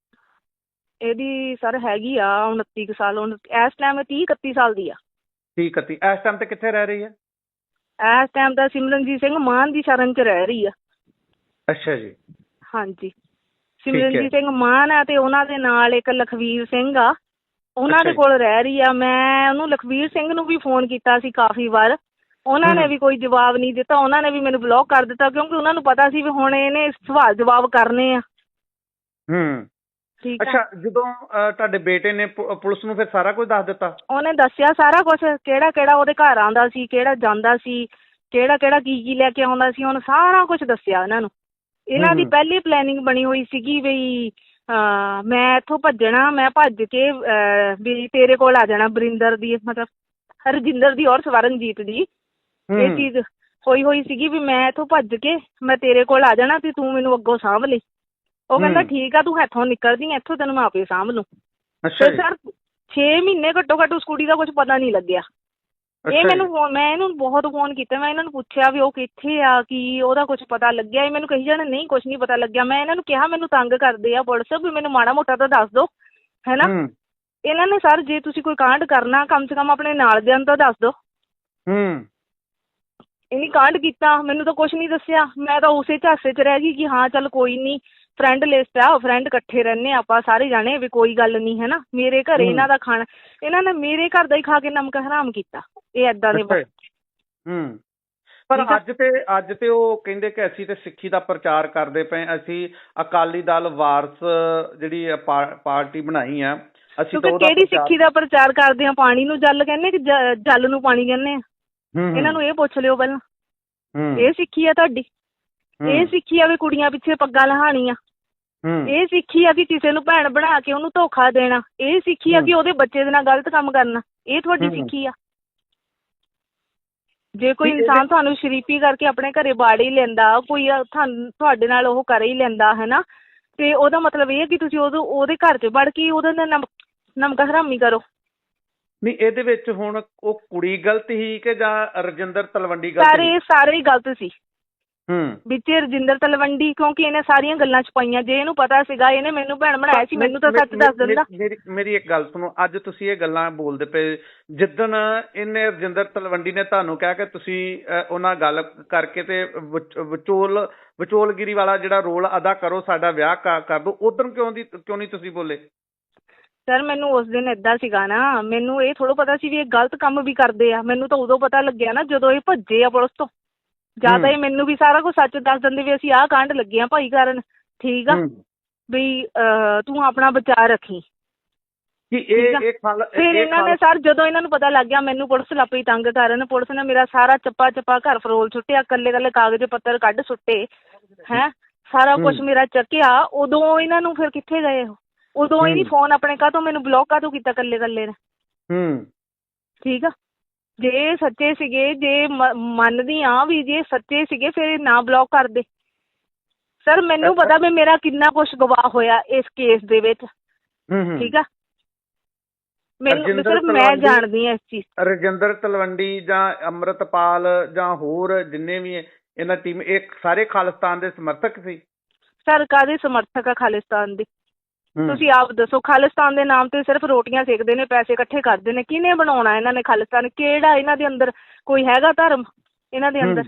S1: ਇਹਦੀ ਸਰ ਹੈਗੀ ਆ ਉਨੱਤੀ ਕੁ ਸਾਲ। ਇਸ ਟਾਈਮ ਤੀਹ ਇਕੱਤੀ ਸਾਲ ਦੀ ਆ।
S2: ਤੀਹ ਇਕੱਤੀ। ਇਸ ਟਾਈਮ ਤੇ ਕਿੱਥੇ ਰਹਿ ਰਹੀ ਹੈ?
S1: ਇਸ ਟਾਈਮ ਤਾਂ ਸਿਮਰਨਜੀਤ ਸਿੰਘ ਮਾਨ ਦੀ ਸ਼ਰਨ 'ਚ ਰਹਿ ਰਹੀ ਆ।
S2: ਅੱਛਾ ਜੀ।
S1: ਹਾਂਜੀ। ਸਿਮਰਨਜੀਤ ਸਿੰਘ ਮਾਨ ਆ ਤੇ ਉਹਨਾਂ ਦੇ ਨਾਲ ਇੱਕ ਲਖਵੀਰ ਸਿੰਘ ਆ, ਉਹਨਾਂ ਦੇ ਕੋਲ ਰਹਿ ਰਹੀ ਆ। ਮੈਂ ਉਹਨੂੰ ਲਖਵੀਰ ਸਿੰਘ ਨੂੰ ਵੀ ਫੋਨ ਕੀਤਾ ਸੀ ਕਾਫੀ ਵਾਰ, ਉਹਨਾਂ ਨੇ ਵੀ ਕੋਈ ਜਵਾਬ ਨਹੀਂ ਦਿੱਤਾ। ਉਹਨਾਂ ਨੇ ਵੀ ਮੈਨੂੰ ਬਲੌਕ ਕਰ ਦਿੱਤਾ, ਕਿਉਂਕਿ ਉਹਨਾਂ ਨੂੰ ਪਤਾ ਸੀ ਵੀ ਹੁਣ ਇਹਨੇ ਸਵਾਲ ਜਵਾਬ ਕਰਨੇ ਆ।
S2: ਹੂੰ। ਅੱਛਾ। ਜਦੋਂ ਤੁਹਾਡੇ ਬੇਟੇ ਨੇ ਪੁਲਿਸ ਨੂੰ ਫਿਰ ਸਾਰਾ ਕੁਝ ਦੱਸ ਦਿੱਤਾ? ਉਹਨੇ
S1: ਦੱਸਿਆ ਸਾਰਾ ਕੁਝ, ਕਿਹੜਾ ਕਿਹੜਾ ਉਹਦੇ ਘਰ ਆਉਂਦਾ ਸੀ, ਕਿਹੜਾ ਜਾਂਦਾ ਸੀ, ਕਿਹੜਾ ਕਿਹੜਾ ਕੀ ਕੀ ਲੈ ਕੇ ਆਉਂਦਾ ਸੀ, ਉਹਨੇ ਸਾਰਾ ਕੁਝ ਦੱਸਿਆ ਇਹਨਾਂ ਨੂੰ। ਇਹਨਾਂ ਦੀ ਪਹਿਲੀ ਪਲੈਨਿੰਗ ਬਣੀ ਹੋਈ ਸੀਗੀ ਵੀ ਮੈਂ ਇੱਥੋਂ ਭੱਜਣਾ, ਮੈਂ ਭੱਜ ਕੇ ਵੀ ਤੇਰੇ ਕੋਲ ਆ ਜਾਣਾ, ਬਰਿੰਦਰ ਦੀ ਮਤਲਬ ਰਜਿੰਦਰ ਦੀ ਔਰ ਸਵਰਨਜੀਤ ਦੀ ਇਹ ਚੀਜ਼ ਹੋਈ ਹੋਈ ਸੀਗੀ ਵੀ ਮੈਂ ਇੱਥੋਂ ਭੱਜ ਕੇ ਮੈਂ ਤੇਰੇ ਕੋਲ ਆ ਜਾਣਾ ਤੇ ਤੂੰ ਮੈਨੂੰ ਅੱਗੋਂ ਸਾਂਭ ਲਈ। ਉਹ ਕਹਿੰਦਾ ਠੀਕ ਆ, ਤੂੰ ਇੱਥੋਂ ਨਿਕਲਦੀ, ਇੱਥੋਂ ਤੈਨੂੰ ਮੈਂ ਆਪੇ ਸਾਂਭ ਲੂੰ। ਤੇ ਸਰ ਛੇ ਮਹੀਨੇ ਘੱਟੋ ਘੱਟ ਉਸ ਕੁੜੀ ਦਾ ਕੁਝ ਪਤਾ ਨਹੀਂ ਲੱਗਿਆ। ਇਹ ਮੈਨੂੰ ਫੋਨ, ਮੈਂ ਇਹਨੂੰ ਬਹੁਤ ਫੋਨ ਕੀਤਾ, ਮੈਂ ਇਹਨਾਂ ਨੂੰ ਪੁੱਛਿਆ ਵੀ ਉਹ ਕਿੱਥੇ ਆ, ਕੀ ਉਹਦਾ ਕੁਝ ਪਤਾ ਲੱਗਿਆ? ਇਹ ਮੈਨੂੰ ਕਹੀ ਜਾਣ ਨਹੀਂ ਕੁਝ ਨਹੀਂ ਪਤਾ ਲੱਗਿਆ। ਮੈਂ ਇਹਨਾਂ ਨੂੰ ਕਿਹਾ ਮੈਨੂੰ ਤੰਗ ਕਰਦੇ ਆ ਪੁਲਿਸ, ਵੀ ਮੈਨੂੰ ਮਾੜਾ ਮੋਟਾ ਤਾਂ ਦੱਸ ਦਿਓ, ਹੈ ਨਾ। ਇਹਨਾਂ ਨੇ ਸਰ ਜੇ ਤੁਸੀਂ ਕੋਈ ਕਾਂਡ ਕਰਨਾ ਕਮ ਸੇ ਕਮ ਆਪਣੇ ਨਾਲ ਦਿਆਂ ਨੂੰ ਤਾਂ ਦੱਸ ਦਿਓ। ਇਹਨੇ ਕਾਂਡ ਕੀਤਾ, ਮੈਨੂੰ ਤਾਂ ਕੁਛ ਨਹੀਂ ਦੱਸਿਆ। ਮੈਂ ਤਾਂ ਉਸੇ ਝਾਸੇ 'ਚ ਰਹਿ ਗਈ ਕਿ ਹਾਂ ਚੱਲ ਕੋਈ ਨਹੀਂ, ਫਰੈਂਡ ਲਿਸਟ ਆ, ਫਰੈਂਡ ਇਕੱਠੇ ਰਹਿੰਦੇ ਆਪਾਂ ਸਾਰੇ ਜਾਣੇ, ਵੀ ਕੋਈ ਗੱਲ ਨਹੀਂ, ਹੈ ਨਾ। ਮੇਰੇ ਘਰੇ ਇਹਨਾਂ ਦਾ ਖਾਣਾ, ਇਹਨਾਂ ਨੇ ਮੇਰੇ ਘਰ ਦਾ ਹੀ ਖਾ ਕੇ ਨਮਕ ਹਰਾਮ ਕੀਤਾ। ਇਹ ਏਦਾਂ ਦੇ
S2: ਹੂੰ। ਪਰ ਅੱਜ ਤੇ ਅੱਜ ਤੇ ਉਹ ਕਹਿੰਦੇ ਕਿ ਅਸੀਂ ਤੇ ਸਿੱਖੀ ਦਾ ਪ੍ਰਚਾਰ ਕਰਦੇ ਪਏ, ਅਸੀਂ ਅਕਾਲੀ ਦਲ ਵਾਰਸ ਜਿਹੜੀ ਪਾਰਟੀ ਬਣਾਈ ਆ, ਅਸੀਂ ਤਾਂ
S1: ਕਿਹੜੀ ਸਿੱਖੀ ਦਾ ਪ੍ਰਚਾਰ ਕਰਦੇ ਆ? ਪਾਣੀ ਨੂੰ ਜਲ ਕਹਿੰਦੇ ਕਿ ਜਲ ਨੂੰ ਪਾਣੀ ਕਹਿੰਦੇ ਆ? ਇਹਨਾਂ ਨੂੰ ਇਹ ਪੁੱਛ ਲਿਓ ਪਹਿਲਾਂ। ਇਹ ਸਿੱਖੀ ਆ ਤੁਹਾਡੀ? ਇਹ ਸਿੱਖੀ ਆ ਵੀ ਕੁੜੀਆਂ ਪਿੱਛੇ ਪੱਗਾਂ ਲਹਾਣੀਆਂ? ਇਹ ਸਿੱਖੀ ਆ ਕਿ ਕਿਸੇ ਨੂੰ ਭੈਣ ਬਣਾ ਕੇ ਉਹਨੂੰ ਧੋਖਾ ਦੇਣਾ? ਇਹ ਸਿੱਖੀ ਆ ਕਿ ਉਹਦੇ ਬੱਚੇ ਦੇ ਨਾਲ ਗਲਤ ਕੰਮ ਕਰਨਾ? ਇਹ ਤੁਹਾਡੀ ਸਿੱਖੀ ਆ? ਜੇ ਕੋਈ ਇਨਸਾਨ ਤੁਹਾਨੂੰ ਸ਼ਰੀਫੀ ਕਰਕੇ ਆਪਣੇ ਘਰੇ ਬਾੜ ਹੀ ਲੈਂਦਾ, ਕੋਈ ਤੁਹਾਨੂੰ ਤੁਹਾਡੇ ਨਾਲ ਉਹ ਕਰ ਹੀ ਲੈਂਦਾ, ਹੈ ਨਾ, ਤੇ ਉਹਦਾ ਮਤਲਬ ਇਹ ਹੈ ਕਿ ਤੁਸੀਂ ਉਦੋਂ ਉਹਦੇ ਘਰ 'ਚ ਵੜ ਕੇ ਉਹਦੇ ਨਾਲ ਨਮ ਨਮਕ ਹਰਾਮੀ ਕਰੋ। ਨਹੀਂ,
S2: ਇਹਦੇ ਵਿੱਚ ਹੁਣ ਉਹ ਕੁੜੀ ਗਲਤ ਸੀ ਕਿ ਜਾਂ ਰਜਿੰਦਰ ਤਲਵੰਡੀ ਗਲਤ?
S1: ਸਾਰੇ ਸਾਰੇ ਹੀ ਗਲਤ ਸੀ ਵਿੱਚ ਰਜਿੰਦਰ ਤਲਵੰਡੀ, ਕਿਉਂਕਿ ਇਹਨੇ ਸਾਰੀਆਂ ਗੱਲਾਂ ਛੁਪਾਈਆਂ। ਜੇ ਇਹਨੂੰ ਪਤਾ ਸੀਗਾ ਇਹਨੇ ਮੈਨੂੰ ਭੈਣ ਬਣਾਇਆ ਸੀ, ਮੈਨੂੰ ਤਾਂ ਸੱਚ ਦੱਸ ਦਿੰਦਾ।
S2: ਮੇਰੀ ਮੇਰੀ ਇੱਕ ਗੱਲ ਸੁਣੋ, ਅੱਜ ਤੁਸੀਂ ਇਹ ਗੱਲਾਂ ਬੋਲਦੇ ਪਏ, ਜਿੱਦਣ ਇਹਨੇ ਰਜਿੰਦਰ ਤਲਵੰਡੀ ਨੇ ਤੁਹਾਨੂੰ ਕਿਹਾ ਕਿ ਤੁਸੀਂ ਉਹਨਾਂ ਗੱਲ ਕਰਕੇ ਤੇ ਵਿਚੋਲ ਵਿਚੋਲਗਿਰੀ ਵਾਲਾ ਜਿਹੜਾ ਰੋਲ ਅਦਾ ਕਰੋ, ਸਾਡਾ ਵਿਆਹ ਕਰ ਦਿਓ, ਉਦੋਂ ਕਿਉਂ ਦੀ ਕਿਉਂ ਨਹੀਂ ਤੁਸੀਂ ਬੋਲੇ?
S1: ਸਰ ਮੈਨੂੰ ਉਸ ਦਿਨ ਏਦਾਂ ਸੀਗਾ ਨਾ, ਮੈਨੂੰ ਇਹ ਥੋੜ੍ਹਾ ਪਤਾ ਸੀ ਵੀ ਇਹ ਗਲਤ ਕੰਮ ਵੀ ਕਰਦੇ ਆ। ਮੈਨੂੰ ਤਾਂ ਉਦੋਂ ਪਤਾ ਲੱਗਿਆ ਨਾ ਜਦੋਂ ਇਹ ਭੱਜੇ ਆ ਪੁਲਿਸ ਤੋਂ। ਜਾਂ ਤਾਂ ਇਹ ਮੈਨੂੰ ਵੀ ਸਾਰਾ ਕੁਝ ਸੱਚ ਦੱਸ ਦਿੰਦੇ ਵੀ ਅਸੀਂ ਆਹ ਕਾਂਡ ਲੱਗੇ ਆ ਭਾਈ ਕਰਨ, ਠੀਕ ਆ, ਵੀ ਤੂੰ ਆਪਣਾ ਬਚਾਅ ਰੱਖੀ।
S2: ਕਿ ਇਹ ਇਹ ਖਾਲ
S1: ਫਿਰ ਇਹਨਾਂ ਨੇ ਸਰ ਜਦੋਂ ਇਹਨਾਂ ਨੂੰ ਪਤਾ ਲੱਗ ਗਿਆ ਮੈਨੂੰ ਪੁਲਿਸ ਲੱਪੀ ਤੰਗ ਕਰਨ, ਪੁਲਿਸ ਨੇ ਮੇਰਾ ਸਾਰਾ ਚੱਪਾ ਚੱਪਾ ਘਰ ਫਰੋਲ ਸੁੱਟਿਆ, ਇਕੱਲੇ ਇਕੱਲੇ ਕਾਗਜ਼ ਪੱਤਰ ਕੱਢ ਸੁੱਟੇ ਹੈਂ, ਸਾਰਾ ਕੁਛ ਮੇਰਾ ਚੱਕਿਆ। ਉਦੋਂ ਇਹਨਾਂ ਨੂੰ ਫਿਰ ਕਿੱਥੇ ਗਏ ਉਹ? ਉਦੋਂ ਹੀ ਨਹੀਂ ਫੋਨ ਆਪਣੇ ਕਾਹਤੋਂ ਮੈਨੂੰ ਬਲੌਕ ਕਾਹਤੋਂ ਕੀਤਾ ਇਕੱਲੇ ਇਕੱਲੇ ਨੇ?
S2: ਹੂੰ
S1: ਠੀਕ ਆ, ਜੇ ਸੱਚੇ ਸੀਗੇ, ਜੇ ਮੰਨਦੀ ਆ ਵੀ ਜੇ ਸੱਚੇ ਸੀਗੇ ਫਿਰ ਨਾ ਬਲੌਕ ਕਰਦੇ। ਸਰ ਮੈਨੂੰ ਪਤਾ ਵੀ ਮੇਰਾ ਕਿੰਨਾ ਕੁਛ ਗਵਾਹ ਹੋਇਆ ਇਸ ਕੇਸ ਦੇ ਵਿੱਚ। ਠੀਕ ਆ, ਮੈਨੂੰ ਸਿਰਫ ਮੈਂ ਜਾਣਦੀ ਹਾਂ ਇਸ ਚੀਜ਼।
S2: ਰਜਿੰਦਰ ਤਲਵੰਡੀ ਜਾਂ ਅੰਮ੍ਰਿਤਪਾਲ ਜਾਂ ਹੋਰ ਜਿੰਨੇ ਵੀ ਇਹਨਾਂ ਟੀਮ, ਇਹ ਸਾਰੇ ਖਾਲਿਸਤਾਨ ਦੇ ਸਮਰਥਕ ਸੀ?
S1: ਸਰ ਕਾਹਦੇ ਸਮਰਥਕ ਆ ਖਾਲਿਸਤਾਨ ਦੇ? ਤੁਸੀਂ ਆਪ ਦੱਸੋ। ਖਾਲਿਸਤਾਨ ਦੇ ਨਾਮ ਤੇ ਸਿਰਫ ਰੋਟੀਆਂ ਸੇਕਦੇ ਨੇ, ਪੈਸੇ ਇਕੱਠੇ ਕਰਦੇ ਨੇ। ਕਿਹਨੇ ਬਣਾਉਣਾ ਇਹਨਾਂ ਨੇ ਖਾਲਿਸਤਾਨ? ਕਿਹੜਾ ਇਹਨਾਂ ਦੇ ਅੰਦਰ ਕੋਈ ਹੈਗਾ ਧਰਮ ਇਹਨਾਂ ਦੇ ਅੰਦਰ?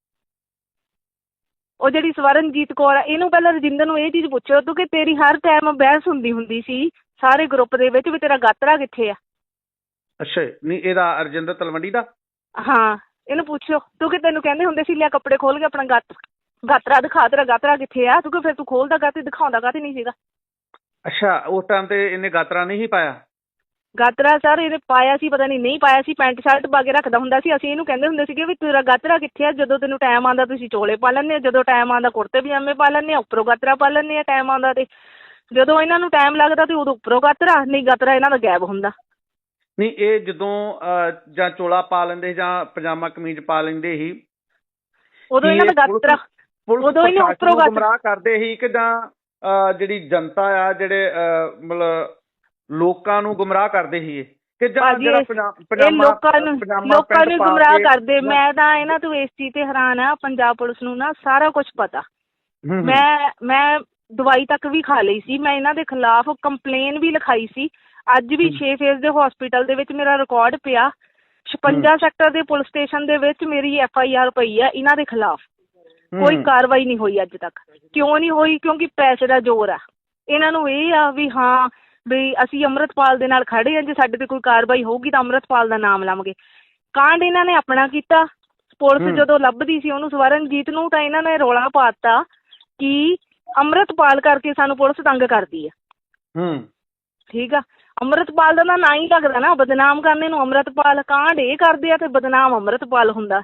S1: ਉਹ ਜਿਹੜੀ ਸਵਰਨਜੀਤ ਕੌਰ ਆ, ਇਹਨੂੰ ਪਹਿਲਾਂ ਰਜਿੰਦਰ ਨੂੰ ਇਹ ਚੀਜ਼ ਪੁੱਛੋ ਤੂੰ ਕਿ ਤੇਰੀ ਹਰ ਟਾਈਮ ਬਹਿਸ ਹੁੰਦੀ ਹੁੰਦੀ ਸੀ ਸਾਰੇ ਗਰੁੱਪ ਦੇ ਵਿੱਚ ਵੀ ਤੇਰਾ ਗਾਤਰਾ ਕਿੱਥੇ ਆ? ਅੱਛਾ,
S2: ਨਹੀਂ ਇਹਦਾ ਰਜਿੰਦਰ ਤਲਵੰਡੀ ਦਾ?
S1: ਹਾਂ, ਇਹਨੂੰ ਪੁੱਛੋ ਤੂੰ ਕਿ ਤੈਨੂੰ ਕਹਿੰਦੇ ਹੁੰਦੇ ਸੀ ਲਿਆ ਕੱਪੜੇ ਖੋਲ ਕੇ ਆਪਣਾ ਗਾਤ ਗਾਤਰਾ ਦਿਖਾ, ਤੇਰਾ ਗਾਤਰਾ ਕਿੱਥੇ ਆ? ਤੂੰ ਕਿ ਫਿਰ ਤੂੰ ਖੋਲਦਾ ਗਾਤੇ ਦਿਖਾਉਂਦਾ ਗਾਤੇ ਨਹੀਂ ਸੀਗਾ?
S2: ਅੱਛਾ, ਉਸ ਟਾਈਮ ਤੇ ਇਹਨੇ ਗਾਤਰਾ ਨਹੀਂ ਪਾਇਆ?
S1: ਗਾਤਰਾ ਸਰ ਇਹਨੇ ਪਾਇਆ ਸੀ, ਪਤਾ ਨਹੀਂ ਨਹੀਂ ਪਾਇਆ ਸੀ, ਪੈਂਟ ਸ਼ਰਟ ਪਾ ਕੇ ਰੱਖਦਾ ਹੁੰਦਾ ਸੀ। ਅਸੀਂ ਇਹਨੂੰ ਕਹਿੰਦੇ ਹੁੰਦੇ ਸੀਗੇ ਵੀ ਤੇਰਾ ਗਾਤਰਾ ਕਿੱਥੇ ਆ? ਜਦੋਂ ਤੈਨੂੰ ਟਾਈਮ ਆਉਂਦਾ ਤੁਸੀਂ ਚੋਲੇ ਪਾ ਲੈਂਦੇ ਆ, ਜਦੋਂ ਟਾਈਮ ਆਉਂਦਾ ਕੁੜਤੇ ਪਜਾਮੇ ਪਾ ਲੈਂਦੇ ਆ, ਉੱਪਰੋਂ ਗਾਤਰਾ ਪਾ ਲੈਂਦੇ ਆ ਟਾਈਮ ਆਉਂਦਾ। ਤੇ ਜਦੋਂ ਇਹਨਾਂ ਨੂੰ ਟਾਈਮ ਲੱਗਦਾ ਤੇ ਉਦੋਂ ਉੱਪਰੋਂ ਗਾਤਰਾ, ਨਹੀਂ ਗਾਤਰਾ ਇਹਨਾਂ ਦਾ ਗਾਇਬ ਹੁੰਦਾ।
S2: ਨਹੀਂ ਇਹ ਜਦੋਂ ਜਾਂ ਚੋਲਾ ਪਾ ਲੈਂਦੇ ਜਾਂ ਪਜਾਮਾ ਕਮੀਜ਼ ਪਾ ਲੈਂਦੇ ਸੀ
S1: ਉਦੋਂ ਇਹਨਾਂ ਦਾ ਗਾਤਰਾ, ਉਦੋਂ ਇਹਨੇ ਉੱਪਰੋਂ
S2: ਗੁੰਮਰਾਹ ਕਰਦੇ ਸੀ ਕਿ ਜਾਂ ਜਿਹੜੀ ਜਨਤਾ ਆ ਜਿਹੜੇ ਮਤਲਬ ਲੋਕਾਂ ਨੂੰ ਗੁੰਮਰਾਹ ਕਰਦੇ ਸੀ ਕਿ ਜਾਂ ਜਿਹੜਾ
S1: ਪਜਾਮਾ ਲੋਕਾਂ ਨੂੰ ਲੋਕਾਂ ਨੂੰ ਗੁੰਮਰਾਹ ਕਰਦੇ? ਮੈਂ ਤਾਂ ਇਹਨਾਂ ਤੋਂ ਇਸ ਚੀਜ਼ ਤੇ ਹੈਰਾਨ ਆ, ਪੰਜਾਬ ਪੁਲਿਸ ਨੂੰ ਨਾ ਸਾਰਾ ਕੁਛ ਪਤਾ। ਮੈਂ ਮੈਂ ਦਵਾਈ ਤੱਕ ਵੀ ਖਾ ਲਈ ਸੀ, ਮੈਂ ਇਹਨਾਂ ਦੇ ਖਿਲਾਫ ਕੰਪਲੇਨ ਵੀ ਲਿਖਾਈ ਸੀ। ਅੱਜ ਵੀ ਛੇ ਫੇਜ਼ ਦੇ ਹਸਪੀਟਲ ਦੇ ਵਿੱਚ ਮੇਰਾ ਰਿਕਾਰਡ ਪਿਆ। ਛਪੰਜਾ ਸੈਕਟਰ ਦੇ ਪੁਲਿਸ ਸਟੇਸ਼ਨ ਦੇ ਵਿੱਚ ਮੇਰੀ ਐਫ ਆਈ ਆਰ ਪਈ ਆ ਇਹਨਾਂ ਦੇ ਖਿਲਾਫ। ਕੋਈ ਕਾਰਵਾਈ ਨਹੀਂ ਹੋਈ ਅੱਜ ਤੱਕ। ਕਿਉਂ ਨਹੀਂ ਹੋਈ? ਕਿਉਂਕਿ ਪੈਸੇ ਦਾ ਜ਼ੋਰ ਆ। ਇਹਨਾਂ ਨੂੰ ਇਹ ਆ ਵੀ ਹਾਂ ਵੀ ਅਸੀਂ ਅੰਮ੍ਰਿਤਪਾਲ ਦੇ ਨਾਲ ਖੜੇ ਆ, ਜੇ ਸਾਡੇ ਤੇ ਕੋਈ ਕਾਰਵਾਈ ਹੋਊਗੀ ਤਾਂ ਅੰਮ੍ਰਿਤਪਾਲ ਦਾ ਨਾਮ ਲਵਾਂਗੇ। ਕਾਂਡ ਇਹਨਾਂ ਨੇ ਆਪਣਾ ਕੀਤਾ। ਪੁਲਿਸ ਜਦੋਂ ਲੱਭਦੀ ਸੀ ਉਹਨੂੰ ਸਵਰਨਜੀਤ ਨੂੰ, ਤਾਂ ਇਹਨਾਂ ਨੇ ਰੌਲਾ ਪਾਤਾ ਕਿ ਅੰਮ੍ਰਿਤਪਾਲ ਕਰਕੇ ਸਾਨੂੰ ਪੁਲਿਸ ਤੰਗ ਕਰਦੀ ਆ। ਠੀਕ ਆ, ਅੰਮ੍ਰਿਤਪਾਲ ਦਾ ਤਾਂ ਨਾਂ ਹੀ ਲੱਗਦਾ ਨਾ ਬਦਨਾਮ ਕਰਨੇ ਨੂੰ। ਅੰਮ੍ਰਿਤਪਾਲ ਕਾਂਡ ਇਹ ਕਰਦੇ ਆ ਤੇ ਬਦਨਾਮ ਅੰਮ੍ਰਿਤਪਾਲ ਹੁੰਦਾ।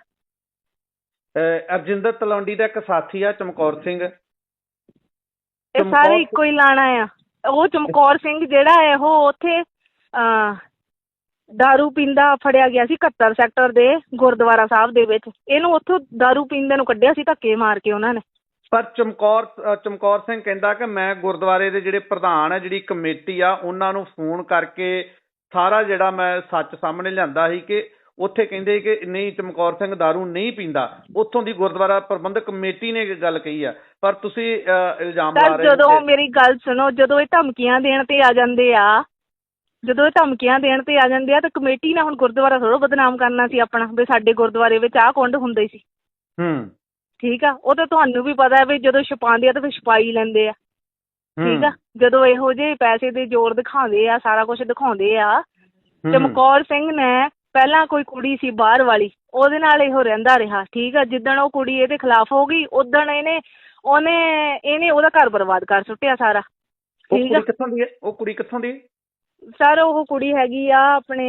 S2: ਰਜਿੰਦਰ ਤਲਵੰਡੀ ਦਾ ਇੱਕ ਸਾਥੀ ਆ ਚਮਕੌਰ ਸਿੰਘ,
S1: ਇਹ ਸਾਰੇ ਇੱਕੋ ਹੀ ਲਾਣਾ ਆ। ਉਹ ਚਮਕੌਰ ਸਿੰਘ ਜਿਹੜਾ ਹੈ ਉਹ ਉੱਥੇ ਅਹ ਦਾਰੂ ਪੀਂਦਾ ਫੜਿਆ ਗਿਆ ਸੀ ਇਕਹੱਤਰ ਸੈਕਟਰ ਦੇ ਗੁਰਦੁਆਰਾ ਸਾਹਿਬ ਦੇ ਵਿੱਚ। ਇਹਨੂੰ ਉੱਥੋਂ ਦਾਰੂ ਪੀਂਦੇ ਨੂੰ ਕੱਢਿਆ ਸੀ ਧੱਕੇ ਮਾਰ ਕੇ ਉਹਨਾਂ ਨੇ।
S2: ਪਰ ਚਮਕੌਰ ਚਮਕੌਰ ਸਿੰਘ ਕਹਿੰਦਾ ਕਿ ਮੈਂ ਗੁਰਦੁਆਰੇ ਦੇ ਜਿਹੜੇ ਪ੍ਰਧਾਨ ਆ, ਜਿਹੜੀ ਕਮੇਟੀ ਆ, ਉਹਨਾਂ ਨੂੰ ਫੋਨ ਕਰਕੇ ਸਾਰਾ ਜਿਹੜਾ ਮੈਂ ਸੱਚ ਸਾਹਮਣੇ ਲਿਆਂਦਾ ਸੀ ਕਿ ਉੱਥੇ ਕਹਿੰਦੇ ਕਿ ਨਹੀਂ ਚਮਕੌਰ ਸਿੰਘ ਦਾਰੂ ਨਹੀਂ ਪੀਂਦਾ। ਉੱਥੋਂ ਦੀ ਗੁਰਦੁਆਰਾ ਪ੍ਰਬੰਧਕ ਕਮੇਟੀ ਨੇ ਗੱਲ ਕਹੀ ਆ, ਪਰ ਤੁਸੀਂ ਇਲਜ਼ਾਮ ਲਾ ਰਹੇ ਹੋ।
S1: ਜਦੋਂ ਮੇਰੀ ਗੱਲ ਸੁਣੋ, ਜਦੋਂ ਇਹ ਧਮਕੀਆਂ ਦੇਣ ਤੇ ਆ ਜਾਂਦੇ ਆ ਜਦੋਂ ਇਹ ਧਮਕੀਆਂ ਦੇਣ ਤੇ ਆ ਜਾਂਦੇ ਆ ਤਾਂ ਕਮੇਟੀ ਨੇ ਹੁਣ ਗੁਰਦੁਆਰਾ ਥੋੜ੍ਹਾ ਬਦਨਾਮ ਕਰਨਾ ਸੀ ਆਪਣਾ ਵੀ ਸਾਡੇ ਗੁਰਦੁਆਰੇ ਵਿੱਚ ਆਹ ਕੁੰਡ ਹੁੰਦੇ ਸੀ।
S2: ਹੂੰ
S1: ਠੀਕ ਆ, ਉਹ ਤਾਂ ਤੁਹਾਨੂੰ ਵੀ ਪਤਾ ਵੀ ਜਦੋਂ ਛਪਾਉਂਦੇ ਆ ਤਾਂ ਫਿਰ ਛਪਾਈ ਲੈਂਦੇ ਆ। ਠੀਕ ਆ, ਜਦੋਂ ਇਹੋ ਜਿਹੇ ਪੈਸੇ ਦੇ ਜ਼ੋਰ ਦਿਖਾਉਂਦੇ ਆ, ਸਾਰਾ ਕੁਛ ਦਿਖਾਉਂਦੇ ਆ। ਚਮਕੌਰ ਸਿੰਘ ਨੇ ਪਹਿਲਾਂ ਕੋਈ ਕੁੜੀ ਸੀ ਬਾਹਰ ਵਾਲੀ, ਉਹਦੇ ਨਾਲ ਇਹੋ ਰਹਿੰਦਾ ਰਿਹਾ। ਠੀਕ ਆ, ਜਿੱਦਣ ਉਹ ਕੁੜੀ ਇਹਦੇ ਖਿਲਾਫ ਹੋ ਗਈ ਉਦਣ ਇਹਨੇ ਉਹਨੇ ਇਹਨੇ ਉਹਦਾ ਘਰ ਬਰਬਾਦ ਕਰ ਸੁੱਟਿਆ ਸਾਰਾ। ਠੀਕ ਆ,
S2: ਕਿੱਥੋਂ ਦੀ ਹੈ ਉਹ ਕੁੜੀ? ਕਿੱਥੋਂ ਦੀ
S1: ਸਰ? ਉਹ ਕੁੜੀ ਹੈਗੀ ਆ ਆਪਣੇ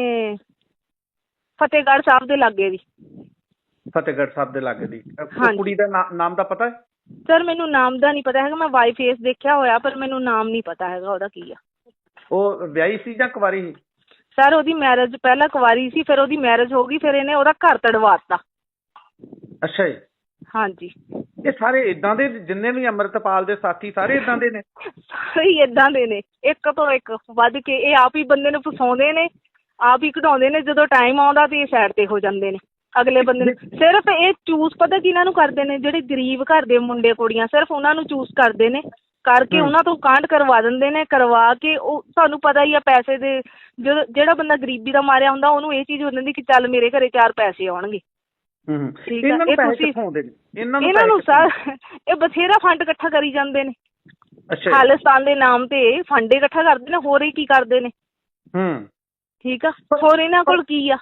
S1: ਫਤਿਹਗੜ੍ਹ ਸਾਹਿਬ ਦੇ ਲਾਗੇ ਦੀ।
S2: ਫਤਿਹਗੜ੍ਹ ਸਾਹਿਬ ਦੇ ਲਾਗੇ ਦੀ? ਕੁੜੀ ਦਾ ਨਾਮ ਦਾ ਪਤਾ ਹੈ?
S1: ਸਰ ਮੈਨੂੰ ਨਾਮ ਦਾ ਨਹੀਂ ਪਤਾ ਹੈਗਾ, ਮੈਂ ਵਾਈ ਫੇਸ ਦੇਖਿਆ ਹੋਇਆ ਪਰ ਮੈਨੂੰ ਨਾਮ ਨਹੀਂ ਪਤਾ ਹੈਗਾ ਉਹਦਾ ਕੀ ਆ।
S2: ਉਹ ਵਿਆਹੀ ਸੀ ਜਾਂ ਕੁਵਾਰੀ ਸੀ?
S1: ਸਰ ਉਹਦੀ ਮੈਰਿਜ ਪਹਿਲਾਂ ਕੁਵਾਰੀ ਸੀ, ਫਿਰ ਉਹਦੀ ਮੈਰਿਜ ਹੋ ਗਈ, ਫਿਰ ਇਹਨੇ ਉਹਦਾ ਘਰ ਤੜਵਾਤਾ।
S2: ਅੱਛਾ ਜੀ।
S1: ਹਾਂਜੀ।
S2: ਇਹ ਸਾਰੇ ਇਦਾਂ ਦੇ ਜਿੰਨੇ ਵੀ ਅੰਮ੍ਰਿਤਪਾਲ ਦੇ ਸਾਥੀ ਸਾਰੇ ਇਦਾਂ ਦੇ ਨੇ?
S1: ਸਾਰੇ ਹੀ ਇਦਾਂ ਦੇ ਨੇ, ਇੱਕ ਤੋਂ ਇੱਕ ਵੱਧ ਕੇ। ਇਹ ਆਪ ਹੀ ਬੰਦੇ ਨੂੰ ਫਸਾਉਂਦੇ ਨੇ, ਆਪ ਹੀ ਕਢਾਉਂਦੇ ਨੇ। ਜਦੋਂ ਟਾਈਮ ਆਉਂਦਾ ਤੇ ਇਹ ਸਾਈਡ ਤੇ ਹੋ ਜਾਂਦੇ ਨੇ ਅਗਲੇ ਬੰਦੇ ਨੂੰ। ਸਿਰਫ ਇਹ ਚੂਜ਼ ਪਤਾ ਕਿਹਨਾਂ ਨੂੰ ਕਰਦੇ ਨੇ? ਜਿਹੜੇ ਗਰੀਬ ਘਰ ਦੇ ਮੁੰਡੇ ਕੁੜੀਆਂ, ਸਿਰਫ ਉਹਨਾਂ ਨੂੰ ਚੂਜ਼ ਕਰਦੇ ਨੇ, ਕਰਕੇ ਉਹਨਾਂ ਤੋਂ ਕਾਂਡ ਕਰਵਾ ਦਿੰਦੇ ਨੇ। ਕਰਵਾ ਕੇ ਉਹ ਤੁਹਾਨੂੰ ਪਤਾ ਹੀ ਆ ਪੈਸੇ ਦੇ, ਜਦੋਂ ਜਿਹੜਾ ਬੰਦਾ ਗਰੀਬੀ ਦਾ ਮਾਰਿਆ ਹੁੰਦਾ ਉਹਨੂੰ ਇਹ ਚੀਜ਼ ਹੋ ਜਾਂਦੀ ਕਿ ਚੱਲ ਮੇਰੇ ਘਰੇ ਚਾਰ ਪੈਸੇ ਆਉਣਗੇ। ਠੀਕ ਆ, ਇਹ ਤੁਸੀਂ ਇਹਨਾਂ ਨੂੰ ਸਰ ਇਹ ਬਥੇਰਾ ਫੰਡ ਇਕੱਠਾ ਕਰੀ ਜਾਂਦੇ ਨੇ ਖਾਲਿਸਤਾਨ ਦੇ ਨਾਮ ਤੇ। ਫੰਡ ਇਕੱਠਾ ਕਰਦੇ ਨੇ, ਹੋਰ ਹੀ ਕੀ ਕਰਦੇ ਨੇ। ਠੀਕ ਆ, ਹੋਰ ਇਹਨਾਂ ਕੋਲ ਕੀ ਆ?